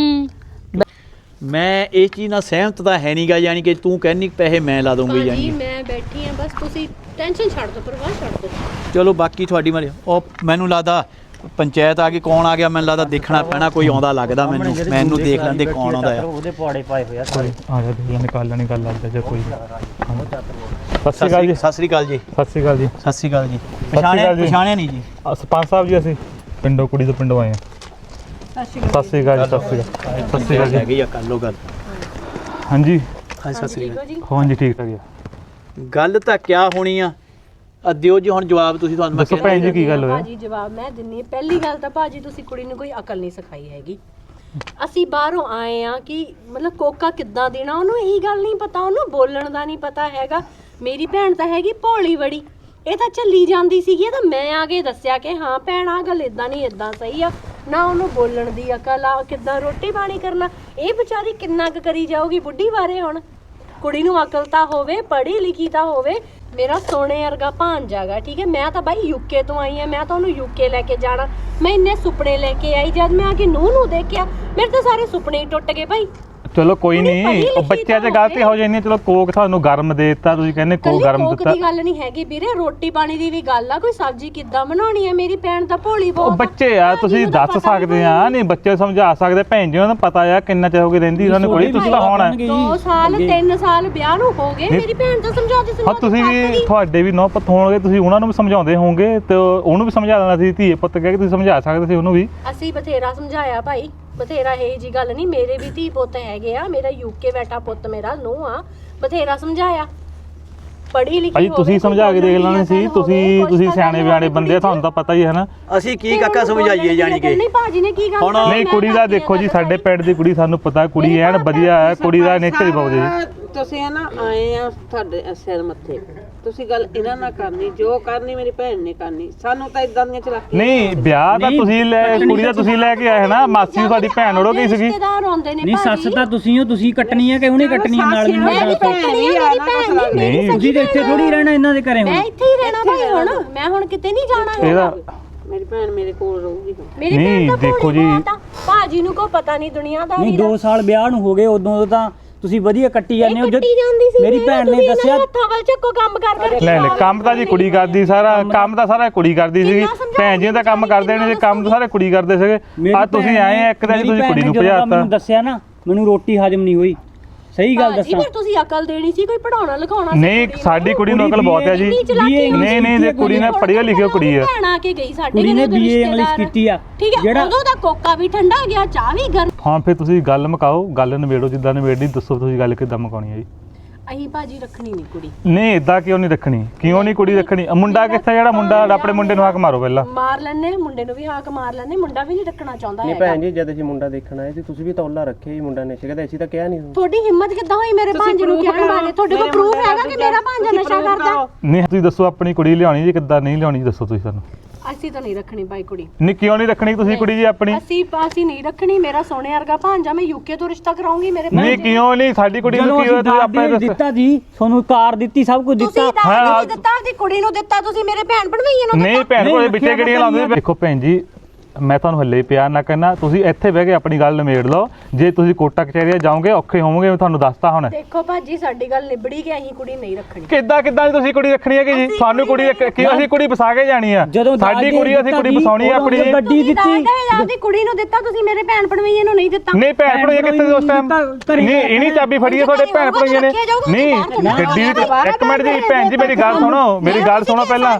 [SPEAKER 3] ਮੈਂ ਇਹ ਚੀਜ਼ ਨਾਲ ਸਹਿਮਤ ਤਾਂ ਹੈ ਨਹੀਂਗਾ, ਯਾਨੀ ਕਿ ਤੂੰ ਕਹਿੰਨੀ ਪੈਸੇ ਮੈਂ ਲਾ ਦੂੰਗੀ ਯਾਨੀ ਕਿ।
[SPEAKER 6] ਮੈਂ ਬੈਠੀ ਆ, ਬਸ ਤੁਸੀਂ ਟੈਨਸ਼ਨ ਛੱਡ ਦਿਓ, ਪਰਵਾਹ ਛੱਡ ਦਿਓ।
[SPEAKER 3] ਚਲੋ ਬਾਕੀ ਤੁਹਾਡੀ ਮਰਜ਼ੀ। ਉਹ ਮੈਨੂੰ ਲੱਗਦਾ ਪੰਚਾਇਤ ਆ ਗਈ, ਕੌਣ ਆ ਗਿਆ? ਮੈਨੂੰ ਲੱਗਦਾ ਦੇਖਣਾ ਪੈਣਾ, ਕੋਈ ਆਉਂਦਾ ਲੱਗਦਾ ਮੈਨੂੰ ਦੇਖ ਲੈਂਦੇ ਕੌਣ ਆਉਂਦਾ ਆ।
[SPEAKER 2] ਉਹਦੇ ਪੌੜੇ ਪਾਏ ਹੋਏ ਆ
[SPEAKER 1] ਆ ਜਾ ਦੇਖ ਨਿਕਾਲ ਲੈਣੀ ਗੱਲ ਲੱਗਦਾ ਜੇ ਕੋਈ।
[SPEAKER 3] ਸਤਿ ਸ਼੍ਰੀ ਅਕਾਲ ਜੀ। ਸਤਿ ਸ਼੍ਰੀ ਅਕਾਲ ਜੀ।
[SPEAKER 1] ਸਤਿ ਸ਼੍ਰੀ ਅਕਾਲ ਜੀ।
[SPEAKER 3] ਸਤਿ ਸ਼੍ਰੀ ਅਕਾਲ ਜੀ।
[SPEAKER 1] ਅਕਾਲ ਜੀ।
[SPEAKER 3] ਪਛਾਣਿਆ ਨਹੀਂ ਜੀ?
[SPEAKER 1] ਸਰਪੰਚ ਸਾਹਿਬ ਜੀ, ਅਸੀਂ ਪਿੰਡੋਂ ਕੁੜੀ ਤੋਂ ਪਿੰਡੋਂ ਆਏ ਹਾਂ। ਸਤਿ ਸ਼੍ਰੀ ਅਕਾਲ ਜੀ। ਸਤਿ ਸ਼੍ਰੀ ਅਕਾਲ ਜੀ।
[SPEAKER 3] ਹੈਗੀ ਆ ਕਰ ਲਓ ਗੱਲ।
[SPEAKER 1] ਹਾਂਜੀ
[SPEAKER 3] ਸਤਿ ਸ਼੍ਰੀ ਅਕਾਲ।
[SPEAKER 1] ਹਾਂਜੀ ਠੀਕ ਠਾਕ ਜੀ।
[SPEAKER 3] ਗੱਲ ਤਾਂ ਕਿਆ ਹੋਣੀ ਆ, ਦਿਓ ਜੀ ਹੁਣ ਜਵਾਬ ਤੁਸੀਂ। ਤੁਹਾਨੂੰ ਮੈਂ
[SPEAKER 1] ਦੱਸੋ ਭੈਣ ਜੀ ਕੀ ਗੱਲ ਹੋਇਆ?
[SPEAKER 6] ਭਾਜੀ ਜਵਾਬ ਮੈਂ ਦਿੰਨੀ। ਪਹਿਲੀ ਗੱਲ ਤਾਂ ਭਾਜੀ ਤੁਸੀਂ ਕੁੜੀ ਨੂੰ ਕੋਈ ਅਕਲ ਨਹੀਂ ਸਿਖਾਈ ਹੈਗੀ। ਅਸੀਂ ਬਾਹਰੋਂ ਆਏ ਆ ਕਿ ਮਤਲਬ ਕੋਕਾ ਕਿੱਦਾਂ ਦੇਣਾ, ਉਹਨੂੰ ਇਹੀ ਗੱਲ ਨਹੀਂ ਪਤਾ, ਉਹਨੂੰ ਬੋਲਣ ਦਾ ਨਹੀਂ ਪਤਾ ਹੈਗਾ। ਮੇਰੀ ਭੈਣ ਤਾਂ ਹੈਗੀ ਭੋਲੀ ਬੜੀ, ਇਹ ਤਾਂ ਚੱਲੀ ਜਾਂਦੀ ਸੀਗੀ, ਤਾਂ ਮੈਂ ਆ ਕੇ ਦੱਸਿਆ ਕਿ ਹਾਂ ਭੈਣ ਆ ਗੱਲ ਇਦਾਂ ਨਹੀਂ ਇਦਾਂ ਸਹੀ ਆ ਨਾ। ਉਹਨੂੰ ਬੋਲਣ ਦੀ ਅਕਲ ਆ, ਕਿੱਦਾਂ ਰੋਟੀ ਪਾਣੀ ਕਰਨਾ, ਇਹ ਵਿਚਾਰੀ ਕਿੰਨਾ ਕੁ ਕਰੀ ਜਾਊਗੀ ਬੁੱਢੀ ਬਾਰੇ। ਹੁਣ ਕੁੜੀ ਨੂੰ ਅਕਲ ਤਾਂ ਹੋਵੇ, ਪੜ੍ਹੀ ਲਿਖੀ ਤਾਂ ਹੋਵੇ। ਮੇਰਾ ਸੋਨੇ ਵਰਗਾ ਭਾਂਜਾ ਗਾ, ਠੀਕ ਹੈ। ਮੈਂ ਤਾਂ ਬਾਈ ਯੂਕੇ ਤੋਂ ਆਈ ਆ, ਮੈਂ ਤਾਂ ਉਹਨੂੰ ਯੂਕੇ ਲੈ ਕੇ ਜਾਣਾ। ਮੈਂ ਇੰਨੇ ਸੁਪਨੇ ਲੈ ਕੇ ਆਈ, ਜਦ ਮੈਂ ਆ ਕੇ ਨੂੰਹ ਨੂੰ ਦੇਖਿਆ ਮੇਰੇ ਤਾਂ ਸਾਰੇ ਸੁਪਨੇ ਹੀ ਟੁੱਟ ਗਏ ਭਾਈ।
[SPEAKER 1] ਚਲੋ ਕੋਈ ਨਹੀਂ, ਉਹ ਬੱਚਿਆਂ 'ਚ ਗਲਤੀ ਹੋ ਜਾਂਦੀ। ਚਲੋ ਕੋਕ ਤੁਹਾਨੂੰ ਗਰਮ ਦੇ ਦਿੱਤਾ, ਤੁਸੀਂ ਕਹਿੰਦੇ ਕੋਕ ਗਰਮ ਦਿੱਤਾ।
[SPEAKER 6] ਕੋਕ ਦੀ ਗੱਲ ਨਹੀਂ ਹੈਗੀ ਵੀਰੇ, ਰੋਟੀ ਪਾਣੀ ਦੀ ਵੀ ਗੱਲ ਆ। ਕੋਈ ਸਬਜ਼ੀ ਕਿੱਦਾਂ ਬਣਾਉਣੀ ਹੈ, ਮੇਰੀ ਭੈਣ ਤਾਂ ਭੋਲੀ ਬਹੁਤ।
[SPEAKER 1] ਉਹ ਬੱਚੇ ਆ, ਤੁਸੀਂ ਦੱਸ ਸਕਦੇ ਆ, ਨਹੀਂ ਬੱਚੇ ਸਮਝਾ ਸਕਦੇ। ਭੈਣ ਜੀ ਉਹਨਾਂ ਨੂੰ ਪਤਾ ਆ ਕਿੰਨਾ ਚਿਰ ਹੋ ਗਿਆ ਰਹਿੰਦੀ ਉਹਨਾਂ ਕੋਲ। ਤੁਸੀਂ ਤਾਂ ਹੁਣ
[SPEAKER 6] 2 ਸਾਲ 3 ਸਾਲ ਵਿਆਹ ਨੂੰ ਹੋ ਗਏ, ਮੇਰੀ ਭੈਣ ਤਾਂ ਸਮਝਾਉਂਦੀ
[SPEAKER 1] ਹਾਂ। ਤੁਸੀਂ ਵੀ, ਤੁਹਾਡੇ ਵੀ ਨੌ ਪੁੱਤ ਹੋਣਗੇ, ਤੁਸੀਂ ਉਹਨਾਂ ਨੂੰ ਵੀ ਸਮਝਾਉਂਦੇ ਹੋਵੋਗੇ ਤੇ ਉਹਨੂੰ ਵੀ ਸਮਝਾ ਦੇਣਾ ਸੀ। ਧੀਏ ਪੁੱਤ ਕਹਿ ਕੇ ਤੁਸੀਂ ਸਮਝਾ ਸਕਦੇ ਸੀ ਉਹਨੂੰ ਵੀ।
[SPEAKER 6] ਅਸੀਂ ਬਥੇਰਾ ਸਮਝਾਇਆ ਭਾਈ, ਬਥੇਰਾ। ਇਹ ਜੀ ਗੱਲ ਨਹੀਂ, ਮੇਰੇ ਵੀ ਧੀ ਪੁੱਤ ਹੈਗੇ ਆ, ਮੇਰਾ ਯੂਕੇ ਬੈਠਾ ਪੁੱਤ ਮੇਰਾ ਨੂੰਹ ਆ, ਬਥੇਰਾ ਸਮਝਾਇਆ। ਪੜ੍ਹੀ ਲਿਖੀ
[SPEAKER 7] ਭਾਜੀ ਤੁਸੀਂ ਸਮਝਾ ਕੇ ਦੇਖ ਲੈਣੇ ਸੀ, ਤੁਸੀਂ ਸਿਆਣੇ ਬਿਆਣੇ ਬੰਦੇ ਆ, ਤੁਹਾਨੂੰ ਤਾਂ ਪਤਾ ਹੀ ਹੈ ਨਾ।
[SPEAKER 3] ਅਸੀਂ ਕੀ ਕਾਕਾ ਸਮਝਾਈਏ ਜਾਣੀ ਕਿ
[SPEAKER 6] ਨਹੀਂ ਭਾਜੀ ਨੇ ਕੀ
[SPEAKER 3] ਹੁਣ
[SPEAKER 7] ਨਹੀਂ ਕੁੜੀ ਦਾ ਦੇਖੋ ਜੀ, ਸਾਡੇ ਪਿੰਡ ਦੀ ਕੁੜੀ ਸਾਨੂੰ ਪਤਾ ਕੁੜੀ ਐਨ ਵਧੀਆ ਹੈ, ਕੁੜੀ ਦਾ ਨੇਚਰ ਹੀ ਬਹੁਤ ਜੀ।
[SPEAKER 4] ਤੁਸੀਂ ਆ ਨਾ ਆਏ ਆ ਤੁਹਾਡੇ ਸਿਰ ਮੱਥੇ, ਤੁਸੀਂ ਗੱਲ ਇਹਨਾਂ ਨਾਲ ਕਰਨੀ, ਜੋ ਕਰਨੀ ਮੇਰੀ ਭੈਣ ਨੇ ਕਰਨੀ, ਸਾਨੂੰ ਤਾਂ ਇਦਾਂ ਦੀਆਂ ਚਲਾਕੀਆਂ
[SPEAKER 7] ਨਹੀਂ ਵਿਆਹ ਤਾਂ ਤੁਸੀਂ ਕੁੜੀ ਦਾ ਤੁਸੀਂ ਲੈ ਕੇ ਆਏ ਨਾ, ਮਾਸੀ ਤੁਹਾਡੀ ਭੈਣ ਉੜੋ ਗਈ ਸੀਗੀ।
[SPEAKER 6] ਰਿਸ਼ਤੇਦਾਰ ਆਉਂਦੇ ਨੇ
[SPEAKER 8] ਨਹੀਂ ਸੱਸ ਤਾਂ ਤੁਸੀਂ ਹੋ, ਤੁਸੀਂ ਕੱਟਣੀ ਹੈ ਕਿ ਉਹਨੇ ਕੱਟਣੀ ਹੈ ਨਾਲ
[SPEAKER 4] ਮੇਰੀ ਭੈਣ ਵੀ ਆ ਨਾ ਕੁਛ ਲੱਗ
[SPEAKER 7] ਨਹੀਂ
[SPEAKER 8] ਤੁਸੀਂ ਤਾਂ ਇੱਥੇ ਥੋੜੀ ਰਹਿਣਾ ਇਹਨਾਂ ਦੇ ਘਰੇ
[SPEAKER 6] ਮੈਂ
[SPEAKER 8] ਹੁਣ।
[SPEAKER 6] ਇੱਥੇ ਹੀ ਰਹਿਣਾ ਭਾਈ, ਹੁਣ ਮੈਂ ਹੁਣ ਕਿਤੇ ਨਹੀਂ ਜਾਣਾ
[SPEAKER 7] ਇਹਦਾ
[SPEAKER 4] ਮੇਰੀ ਭੈਣ ਮੇਰੇ ਕੋਲ ਰਹੂਗੀ ਹੁਣ।
[SPEAKER 6] ਮੇਰੀ
[SPEAKER 7] ਨਹੀਂ,
[SPEAKER 6] ਭੈਣ ਤਾਂ
[SPEAKER 7] ਦੇਖੋ ਜੀ।
[SPEAKER 6] ਭਾਜੀ ਨੂੰ ਕੋਈ ਪਤਾ ਨਹੀਂ ਦੁਨੀਆਦਾਰੀ
[SPEAKER 8] ਨਹੀਂ
[SPEAKER 6] ਦਾ।
[SPEAKER 8] 2 ਸਾਲ ਵਿਆਹ ਨੂੰ ਹੋ ਗਏ, ਉਦੋਂ ਤਾਂ ਤੁਸੀਂ ਵਧੀਆ ਕੱਟੀ ਜਾਂਦੇ ਹੋ।
[SPEAKER 6] ਕੱਟੀ ਜਾਂਦੀ ਸੀ,
[SPEAKER 8] ਮੇਰੀ ਭੈਣ ਨੇ ਦੱਸਿਆ
[SPEAKER 6] ਹੱਥਾਂ ਵੱਲ ਚੱਕੋ ਕੰਮ ਕਰ
[SPEAKER 7] ਲੈ ਕੰਮ ਤਾਂ ਜੀ ਕੁੜੀ ਕਰਦੀ, ਸਾਰਾ ਕੰਮ ਤਾਂ ਸਾਰਾ ਕੁੜੀ ਕਰਦੀ ਸੀਗੀ। ਭੈਣ ਜੀ ਤਾਂ ਕੰਮ ਕਰਦੇ ਨੇ, ਕੰਮ ਤਾਂ ਸਾਰੇ ਕੁੜੀ ਕਰਦੇ ਸੀਗੇ। ਆ ਤੁਸੀਂ ਆਏ ਆ ਇੱਕ ਦਿਨ ਤੁਸੀਂ ਕੁੜੀ ਨੂੰ ਭਜਾਤਾ।
[SPEAKER 8] ਮੈਨੂੰ ਦੱਸਿਆ ਨਾ, ਮੈਨੂੰ ਰੋਟੀ ਹਜਮ ਨਹੀਂ ਹੋਈ, ਸਹੀ ਗੱਲ
[SPEAKER 6] ਭਾਜੀ
[SPEAKER 8] ਦੱਸਾਂ।
[SPEAKER 6] ਫਿਰ ਤੁਸੀਂ ਅਕਲ ਦੇਣੀ ਸੀ, ਕੋਈ ਪੜਾਉਣਾ ਲਿਖਾਉਣਾ
[SPEAKER 7] ਨਹੀਂ ਸਾਡੀ ਕੁੜੀ ਨੂੰ ਅਕਲ ਬਹੁਤ ਹੈ ਜੀ। ਨਹੀਂ ਜੇ ਕੁੜੀ ਨੇ ਪੜ੍ਹੀ ਲਿਖੀ ਕੁੜੀ ਹੈ।
[SPEAKER 6] ਭੈਣ ਆ ਕੇ ਗਈ ਸਾਡੇ
[SPEAKER 8] ਕੁੜੀ ਨੇ
[SPEAKER 6] ਘਰੇ
[SPEAKER 8] BA ਇੰਗਲਿਸ਼ ਕੀਤੀ ਆ।
[SPEAKER 6] ਠੀਕ ਹੈ, ਉਦੋਂ ਦਾ ਕੋਕਾ ਵੀ ਠੰਡਾ ਗਿਆ, ਚਾਹ ਵੀ ਗਰਮ।
[SPEAKER 7] ਹਾਂ ਫਿਰ ਤੁਸੀਂ ਗੱਲ ਮੁਕਾਓ, ਗੱਲ ਨਿਬੇੜੋ, ਜਿੱਦਾਂ ਨਿਬੇੜਨੀ ਦੱਸੋ ਤੁਸੀਂ ਗੱਲ ਕਿੱਦਾਂ ਮੁਕਾਉਣੀ ਹੈ ਜੀ।
[SPEAKER 6] ਅਹੀਂ ਭਾਜੀ ਰੱਖਣੀ ਨਹੀਂ ਕੁੜੀ।
[SPEAKER 7] ਨਹੀਂ ਇਦਾਂ ਕਿਉਂ ਨਹੀਂ ਰੱਖਣੀ, ਕਿਉਂ ਨਹੀਂ ਕੁੜੀ ਰੱਖਣੀ? ਮੁੰਡਾ ਕਿੱਥੇ, ਜਿਹੜਾ ਮੁੰਡਾ ਆਪਣੇ ਮੁੰਡੇ ਨੂੰ ਹੱਕ ਮਾਰੋ ਪਹਿਲਾਂ।
[SPEAKER 6] ਮਾਰ ਲੈਣੇ ਮੁੰਡੇ ਨੂੰ ਵੀ ਹਾਕ ਮਾਰ ਲੈਣੇ, ਮੁੰਡਾ ਵੀ ਨਹੀਂ ਰੱਖਣਾ ਚਾਹੁੰਦਾ
[SPEAKER 9] ਨਹੀਂ
[SPEAKER 6] ਹੈਗਾ।
[SPEAKER 9] ਭੈਣ ਜੀ ਜਦ ਅਸੀਂ ਮੁੰਡਾ ਦੇਖਣ ਆਏ ਸੀ ਤੁਸੀਂ ਵੀ ਤੌਲਾ ਰੱਖਿਆ ਹੀ ਮੁੰਡਾ ਨਸ਼ੇ ਕਰਦਾ, ਅਸੀਂ ਤਾਂ ਕਿਹਾ ਨਹੀਂ।
[SPEAKER 6] ਤੁਹਾਡੀ ਹਿੰਮਤ ਕਿੱਦਾਂ ਹੋਈ ਮੇਰੇ ਭਾਂਜੇ ਨੂੰ ਕਹਿਣ ਬਾਰੇ? ਤੁਹਾਡੇ ਕੋਲ ਪ੍ਰੂਫ ਹੈਗਾ ਕਿ ਮੇਰਾ ਭਾਂਜਾ ਨਸ਼ਾ ਕਰਦਾ?
[SPEAKER 7] ਨਹੀਂ ਤੁਸੀਂ ਦੱਸੋ ਆਪਣੀ ਕੁੜੀ ਲਿਆਉਣੀ ਜੀ ਕਿੱਦਾਂ ਨਹੀਂ ਲਿਆਉਣੀ ਦੱਸੋ ਤੁਸੀਂ ਸਾਨੂੰ।
[SPEAKER 6] ਅਸੀਂ ਤਾਂ ਨਹੀਂ ਰੱਖਣੀ ਭਾਈ ਕੁੜੀ।
[SPEAKER 7] ਨਹੀਂ ਕਿਉਂ ਨਹੀਂ ਰੱਖਣੀ ਤੁਸੀਂ ਕੁੜੀ ਜੀ ਆਪਣੀ?
[SPEAKER 6] ਅਸੀਂ ਨਹੀਂ ਰੱਖਣੀ, ਮੇਰਾ ਸੋਨੇ ਵਰਗਾ ਭਾਂਜਾ, ਮੈਂ ਯੂਕੇ ਤੋਂ ਰਿਸ਼ਤਾ ਕਰਾਉਂਗੀ ਮੇਰੇ
[SPEAKER 7] ਨਹੀਂ ਕਿਉਂ ਨਹੀਂ, ਸਾਡੀ ਕੁੜੀ ਨੂੰ
[SPEAKER 8] ਜਦੋਂ
[SPEAKER 7] ਕੀ ਹੋਇਆ ਤੁਸੀਂ ਆਪਣੇ
[SPEAKER 8] ਅਸੀਂ ਦਿੱਤਾ ਜੀ, ਤੁਹਾਨੂੰ ਕਾਰ ਦਿੱਤੀ, ਸਭ ਕੁਝ
[SPEAKER 6] ਤੁਸੀਂ
[SPEAKER 8] ਦਿੱਤਾ।
[SPEAKER 6] ਦਾਜ ਨਹੀਂ ਦਿੱਤਾ, ਆਪਦੀ ਕੁੜੀ ਨੂੰ ਦਿੱਤਾ, ਤੁਸੀਂ ਮੇਰੇ ਭੈਣ ਭਣਵਈਏ ਨੂੰ
[SPEAKER 7] ਨਹੀਂ ਭੈਣ ਕੋਲੇ ਬਿੱਟੇ ਕਿਹੜੀਆਂ ਲਾਉਂਦੇ? ਦੇਖੋ ਭੈਣ ਜੀ ਮੈਂ ਤੁਹਾਨੂੰ ਹੱਲੇ ਪਿਆਰ ਨਾ ਕਰਨਾ, ਤੁਸੀਂ ਇੱਥੇ ਬਹਿ ਕੇ ਆਪਣੀ ਗੱਲ ਨਿਬੇੜ ਲਓ। ਜੇ ਤੁਸੀਂ ਕੋਟਾ ਕਚਹਿਰੀਆਂ ਜਾਓਗੇ ਔਖੇ ਹੋਵੋਗੇ, ਮੈਂ ਤੁਹਾਨੂੰ ਦੱਸਤਾ ਹੁਣ।
[SPEAKER 6] ਦੇਖੋ ਭਾਜੀ ਸਾਡੀ ਗੱਲ ਨਿਬੜੀ ਕਿ ਅਸੀਂ ਕੁੜੀ ਨਹੀਂ ਰੱਖਣੀ।
[SPEAKER 7] ਕਿੱਦਾਂ ਦੀ ਤੁਸੀਂ ਕੁੜੀ ਰੱਖਣੀ ਹੈ ਕਿ ਜੀ? ਤੁਹਾਨੂੰ ਕੁੜੀ ਕਿਉਂ ਅਸੀਂ ਕੁੜੀ ਵਸਾ ਕੇ ਜਾਣੀ ਆ? ਸਾਡੀ ਕੁੜੀ ਅਸੀਂ ਕੁੜੀ ਵਸਾਉਣੀ ਆ ਆਪਣੀ।
[SPEAKER 8] ਗੱਡੀ ਦਿੱਤੀ,
[SPEAKER 6] ਆਪਦੀ ਕੁੜੀ ਨੂੰ ਦਿੱਤਾ, ਤੁਸੀਂ ਮੇਰੇ ਭੈਣ ਭਣਵਈਏ ਨੂੰ ਨਹੀਂ ਦਿੱਤਾ।
[SPEAKER 7] ਨਹੀਂ ਭੈਣ ਭਣੋਈਏ ਕਿੱਥੇ ਸੀ ਉਸ ਟਾਈਮ? ਨਹੀਂ ਇਹਨੀ ਚਾਬੀ ਫੜੀ ਹੈ ਤੁਹਾਡੇ ਭੈਣ ਭਣੋਈਏ ਨੇ। ਨਹੀਂ ਗੱਡੀ ਇੱਕ ਮਿੰਟ ਜੀ ਭੈਣ ਜੀ ਮੇਰੀ ਗੱਲ ਸੁਣੋ, ਮੇਰੀ ਗੱਲ ਸੁਣੋ ਪਹਿਲਾਂ।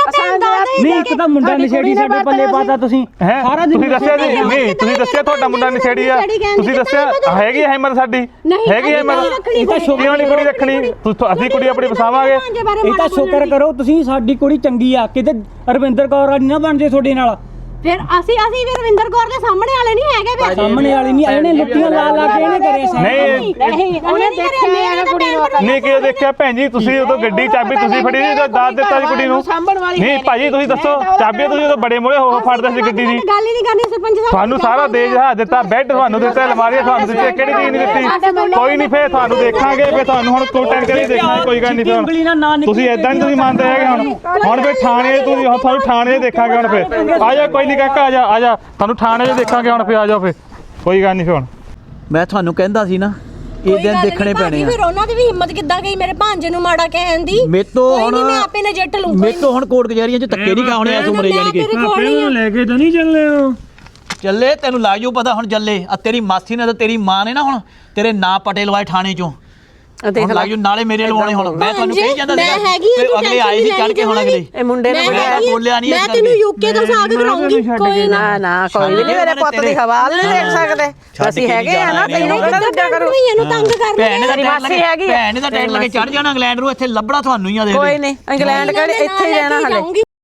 [SPEAKER 8] ਨਹੀਂ ਇੱਕ ਤਾਂ ਮੁੰਡਾ ਨਸ਼ੇੜੀ ਸਾਡੇ ਪੱਲੇ ਪਾਤਾ ਤੁਸੀਂ।
[SPEAKER 7] ਸਾਰਾ ਤੁਸੀਂ ਦੱਸਿਆ ਜੀ, ਨਹੀਂ ਤੁਸੀਂ ਦੱਸਿਆ ਤੁਹਾਡਾ ਮੁੰਡਾ ਨਸ਼ੇੜੀ ਆ, ਤੁਸੀਂ ਦੱਸਿਆ ਹੈਗੀ ਹਿੰਮਤ ਸਾਡੀ, ਹੈਗੀ ਹਿੰਮਤ। ਕਿਉਂ ਨਹੀਂ ਕੁੜੀ ਰੱਖਣੀ? ਅਸੀਂ ਕੁੜੀ ਆਪਣੀ ਵਸਾਵਾਂਗੇ।
[SPEAKER 8] ਇਹ ਤਾਂ ਸ਼ੁਕਰ ਕਰੋ ਤੁਸੀਂ, ਸਾਡੀ ਕੁੜੀ ਚੰਗੀ ਆ, ਕਿਤੇ ਰਵਿੰਦਰ ਕੌਰ ਵਾਲੀ ਨਾ ਬਣ ਜੇ ਤੁਹਾਡੇ ਨਾਲ।
[SPEAKER 6] ਫਿਰ ਅਸੀਂ ਵੀ ਰਵਿੰਦਰ ਕੌਰ ਦੇ ਸਾਹਮਣੇ ਵਾਲੇ ਨਹੀਂ ਹੈਗੇ ਵੇ।
[SPEAKER 8] ਸਾਹਮਣੇ ਵਾਲੀ ਨਹੀਂ, ਇਹਨੇ ਲੁੱਟੀਆਂ ਲਾ ਕੇ ਇਹਨੇ ਕਰੇ ਸੀ।
[SPEAKER 7] ਨਹੀਂ
[SPEAKER 6] ਉਹਨੇ ਦੇਖਿਆ ਕੁੜੀ ਨੂੰ।
[SPEAKER 7] ਨਹੀਂ ਕਿਉਂ ਦੇਖਿਆ ਭੈਣ ਜੀ? ਤੁਸੀਂ ਉਦੋਂ ਗੱਡੀ ਚਾਬੀ ਤੁਸੀਂ ਫੜੀ ਸੀ, ਦਾਦ ਦਿੱਤਾ ਸੀ ਕੁੜੀ ਨੂੰ। ਨਹੀਂ ਭਾਜੀ ਤੁਸੀਂ ਦੱਸੋ, ਚਾਬੀ ਤੁਸੀਂ ਉਦੋਂ ਬੜੇ ਮੋੜੇ ਹੋ ਫੜਦੇ ਸੀ ਗੱਡੀ ਦੀ।
[SPEAKER 6] ਗੱਲ ਹੀ ਨਹੀਂ ਕਰਨੀ ਸਰਪੰਚ ਸਾਹਿਬ।
[SPEAKER 7] ਤੁਹਾਨੂੰ ਸਾਰਾ ਦੇਜ ਹਾ ਦਿੱਤਾ, ਬੈੱਡ ਤੁਹਾਨੂੰ ਦਿੱਤਾ, ਅਲਮਾਰੀਆਂ ਤੁਹਾਨੂੰ ਦਿੱਤੀਆਂ, ਕਿਹੜੀ ਚੀਜ਼ ਨਹੀਂ ਦਿੱਤੀ? ਕੋਈ ਨਹੀਂ ਫੇਰ ਤੁਹਾਨੂੰ ਦੇਖਾਂਗੇ, ਫੇਰ ਤੁਹਾਨੂੰ ਹੁਣ ਕੋਈ ਟੈਨਸ਼ਨ ਨਹੀਂ ਦੇਖਣਾ, ਕੋਈ ਗੱਲ ਨਹੀਂ। ਤੁਸੀਂ ਏਦਾਂ ਨਹੀਂ ਤੁਸੀਂ ਮੰਨਦੇ ਹੈਗੇ ਹੁਣ ਫੇਰ ਥਾਣੇ ਤੁਸੀਂ ਤੁਹਾਨੂੰ ਥਾਣੇ ਦੇਖਾਂਗੇ ਹੁਣ ਫੇਰ। ਆ ਜਾ ਕੋਈ ਨਹੀਂ ਕਾਕਾ, ਆ ਜਾ ਤੁਹਾਨੂੰ ਥਾਣੇ 'ਚ ਦੇਖਾਂਗੇ ਹੁਣ ਫੇਰ। ਆ ਜਾਓ ਫੇਰ, ਕੋਈ ਗੱਲ ਨਹੀਂ ਫੇਰ। ਹੁਣ
[SPEAKER 3] ਮੈਂ ਤੁਹਾਨੂੰ ਕਹਿੰਦਾ ਸੀ ਨਾ ਇਹ ਦਿਨ ਦੇਖਣੇ ਪੈਣੇ ਆ।
[SPEAKER 6] ਫਿਰ ਉਹਨਾਂ ਦੀ ਵੀ ਹਿੰਮਤ ਕਿੱਦਾਂ ਗਈ ਮੇਰੇ ਭਾਂਜੇ ਨੂੰ ਮਾੜਾ ਕਹਿਣ ਦੀ?
[SPEAKER 3] ਮੇਤੋਂ ਹੁਣ
[SPEAKER 6] ਮੈਂ ਆਪੇ ਨਜਿੱਠ ਲੂੰਗਾ।
[SPEAKER 3] ਮੇਤੋਂ ਹੁਣ ਕੋਰਟ ਕਚਹਿਰੀਆਂ 'ਚ ਧੱਕੇ ਨਹੀਂ ਖਾਣੇ ਇਸ ਉਮਰੇ ਜਾਨੀ ਕਿ।
[SPEAKER 1] ਲੈ ਕੇ ਤਾਂ ਨਹੀਂ ਚੱਲੇ ਹੋ?
[SPEAKER 3] ਚੱਲੇ ਤੈਨੂੰ ਲੱਗ ਜਾਊ ਪਤਾ ਹੁਣ ਚੱਲੇ। ਆ ਤੇਰੀ ਮਾਸੀ ਨੇ ਤੇ ਤੇਰੀ ਮਾਂ ਨੇ ਨਾ ਹੁਣ ਤੇਰੇ ਨਾਂ ਪਟੇ ਲਵਾਏ ਥਾਣੇ 'ਚੋਂ। ਹੁਣ ਲੱਗ ਜਾਊ ਨਾਲੇ ਮੇਰੇ ਲਵਾਉਣੇ। ਹੁਣ ਮੈਂ ਤੁਹਾਨੂੰ ਕਹੀ ਜਾਂਦਾ ਸੀ ਅਗਲੇ ਆਏ ਸੀ ਚੜ ਕੇ, ਹੁਣ ਅਗਲੇ
[SPEAKER 4] ਇਹ ਮੁੰਡੇ ਨੇ
[SPEAKER 3] ਬੋਲਿਆ ਨਹੀਂ।
[SPEAKER 6] ਮੈਂ ਤੈਨੂੰ ਯੂਕੇ ਤੋਂ ਸਾਗ ਕਰਾਉਂਗੀ। ਕੋਈ
[SPEAKER 4] ਨਾ ਕੋਈ ਨਹੀਂ, ਮੇਰੇ ਪੁੱਤ ਦੀ ਹਵਾਲ ਨਹੀਂ ਦੇਖ ਸਕਦੇ ਅਸੀਂ, ਹੈਗੇ ਆ ਨਾ। ਤੈਨੂੰ ਕਿਹੜਾ ਦੂਜਾ ਕਰੂ?
[SPEAKER 6] ਇਹਨੂੰ ਤੰਗ ਕਰ
[SPEAKER 3] ਭੈਣ ਦਾ ਟੈਂਟ ਲੱਗੇ ਚੜ ਜਾਣਾ ਇੰਗਲੈਂਡ ਨੂੰ, ਇੱਥੇ ਲੱਭਣਾ ਤੁਹਾਨੂੰ ਹੀ ਆ। ਦੇ
[SPEAKER 4] ਕੋਈ ਨਹੀਂ ਇੰਗਲੈਂਡ ਕਿਹੜੇ, ਇੱਥੇ ਹੀ ਰਹਿਣਾ ਹਲੇ।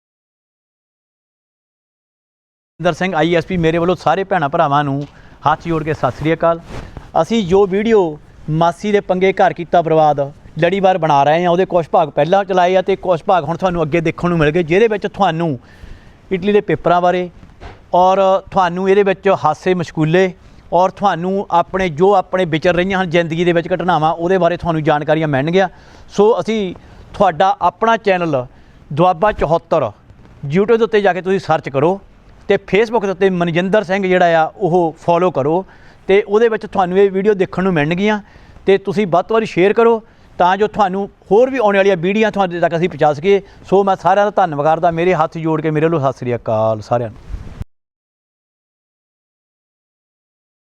[SPEAKER 3] ਇੰਦਰ ਸਿੰਘ ISP ਮੇਰੇ ਵੱਲੋਂ ਸਾਰੇ ਭੈਣਾਂ ਭਰਾਵਾਂ ਨੂੰ ਹੱਥ ਜੋੜ ਕੇ ਸਤਿ ਸ੍ਰੀ ਅਕਾਲ। ਅਸੀਂ ਜੋ ਵੀਡੀਓ ਮਾਸੀ ਦੇ ਪੰਗੇ ਘਰ ਕੀਤਾ ਬਰਬਾਦ ਲੜੀਵਾਰ ਬਣਾ ਰਹੇ ਹਾਂ, ਉਹਦੇ ਕੁਝ ਭਾਗ ਪਹਿਲਾਂ ਚਲਾਏ ਆ ਤੇ ਕੁਝ ਭਾਗ ਹੁਣ ਤੁਹਾਨੂੰ ਅੱਗੇ ਦੇਖਣ ਨੂੰ ਮਿਲ ਗਏ, ਜਿਹਦੇ ਵਿੱਚ ਤੁਹਾਨੂੰ ਇਟਲੀ ਦੇ ਪੇਪਰਾਂ ਬਾਰੇ ਔਰ ਤੁਹਾਨੂੰ ਇਹਦੇ ਵਿੱਚ ਹਾਸੇ ਮਸ਼ਕੂਲੇ ਔਰ ਤੁਹਾਨੂੰ ਆਪਣੇ ਜੋ ਆਪਣੇ ਵਿਚਰ ਰਹੀਆਂ ਹਨ ਜ਼ਿੰਦਗੀ ਦੇ ਵਿੱਚ ਘਟਨਾਵਾਂ, ਉਹਦੇ ਬਾਰੇ ਤੁਹਾਨੂੰ ਜਾਣਕਾਰੀਆਂ ਮਿਲਣਗੀਆਂ। ਸੋ ਅਸੀਂ ਤੁਹਾਡਾ ਆਪਣਾ ਚੈਨਲ ਦੁਆਬਾ 74 YouTube ਦੇ ਉੱਤੇ ਜਾ ਕੇ ਤੁਸੀਂ ਸਰਚ ਕਰੋ ਤੇ ਫੇਸਬੁੱਕ ਦੇ ਉੱਤੇ ਮਨਜਿੰਦਰ ਸਿੰਘ ਜਿਹੜਾ ਆ ਉਹ ਫੋਲੋ ਕਰੋ ਤੇ ਉਹਦੇ ਵਿੱਚ ਤੁਹਾਨੂੰ ਇਹ ਵੀਡੀਓ ਦੇਖਣ ਨੂੰ ਮਿਲਣਗੀਆਂ। ਤੇ ਤੁਸੀਂ ਵੱਧ ਤੋਂ ਵੱਧ ਸ਼ੇਅਰ ਕਰੋ ਤਾਂ ਜੋ ਤੁਹਾਨੂੰ ਹੋਰ ਵੀ ਆਉਣ ਵਾਲੀਆਂ ਵੀਡੀਓ ਤੁਹਾਡੇ ਤੱਕ ਅਸੀਂ ਪਹੁੰਚਾ ਸਕੀਏ। ਸੋ ਮੈਂ ਸਾਰਿਆਂ ਦਾ ਧੰਨਵਾਦ ਕਰਦਾ। ਮੇਰੇ ਹੱਥ ਜੋੜ ਕੇ ਮੇਰੇ ਵੱਲੋਂ ਸਤਿ ਸ੍ਰੀ ਅਕਾਲ ਸਾਰਿਆਂ ਨੂੰ।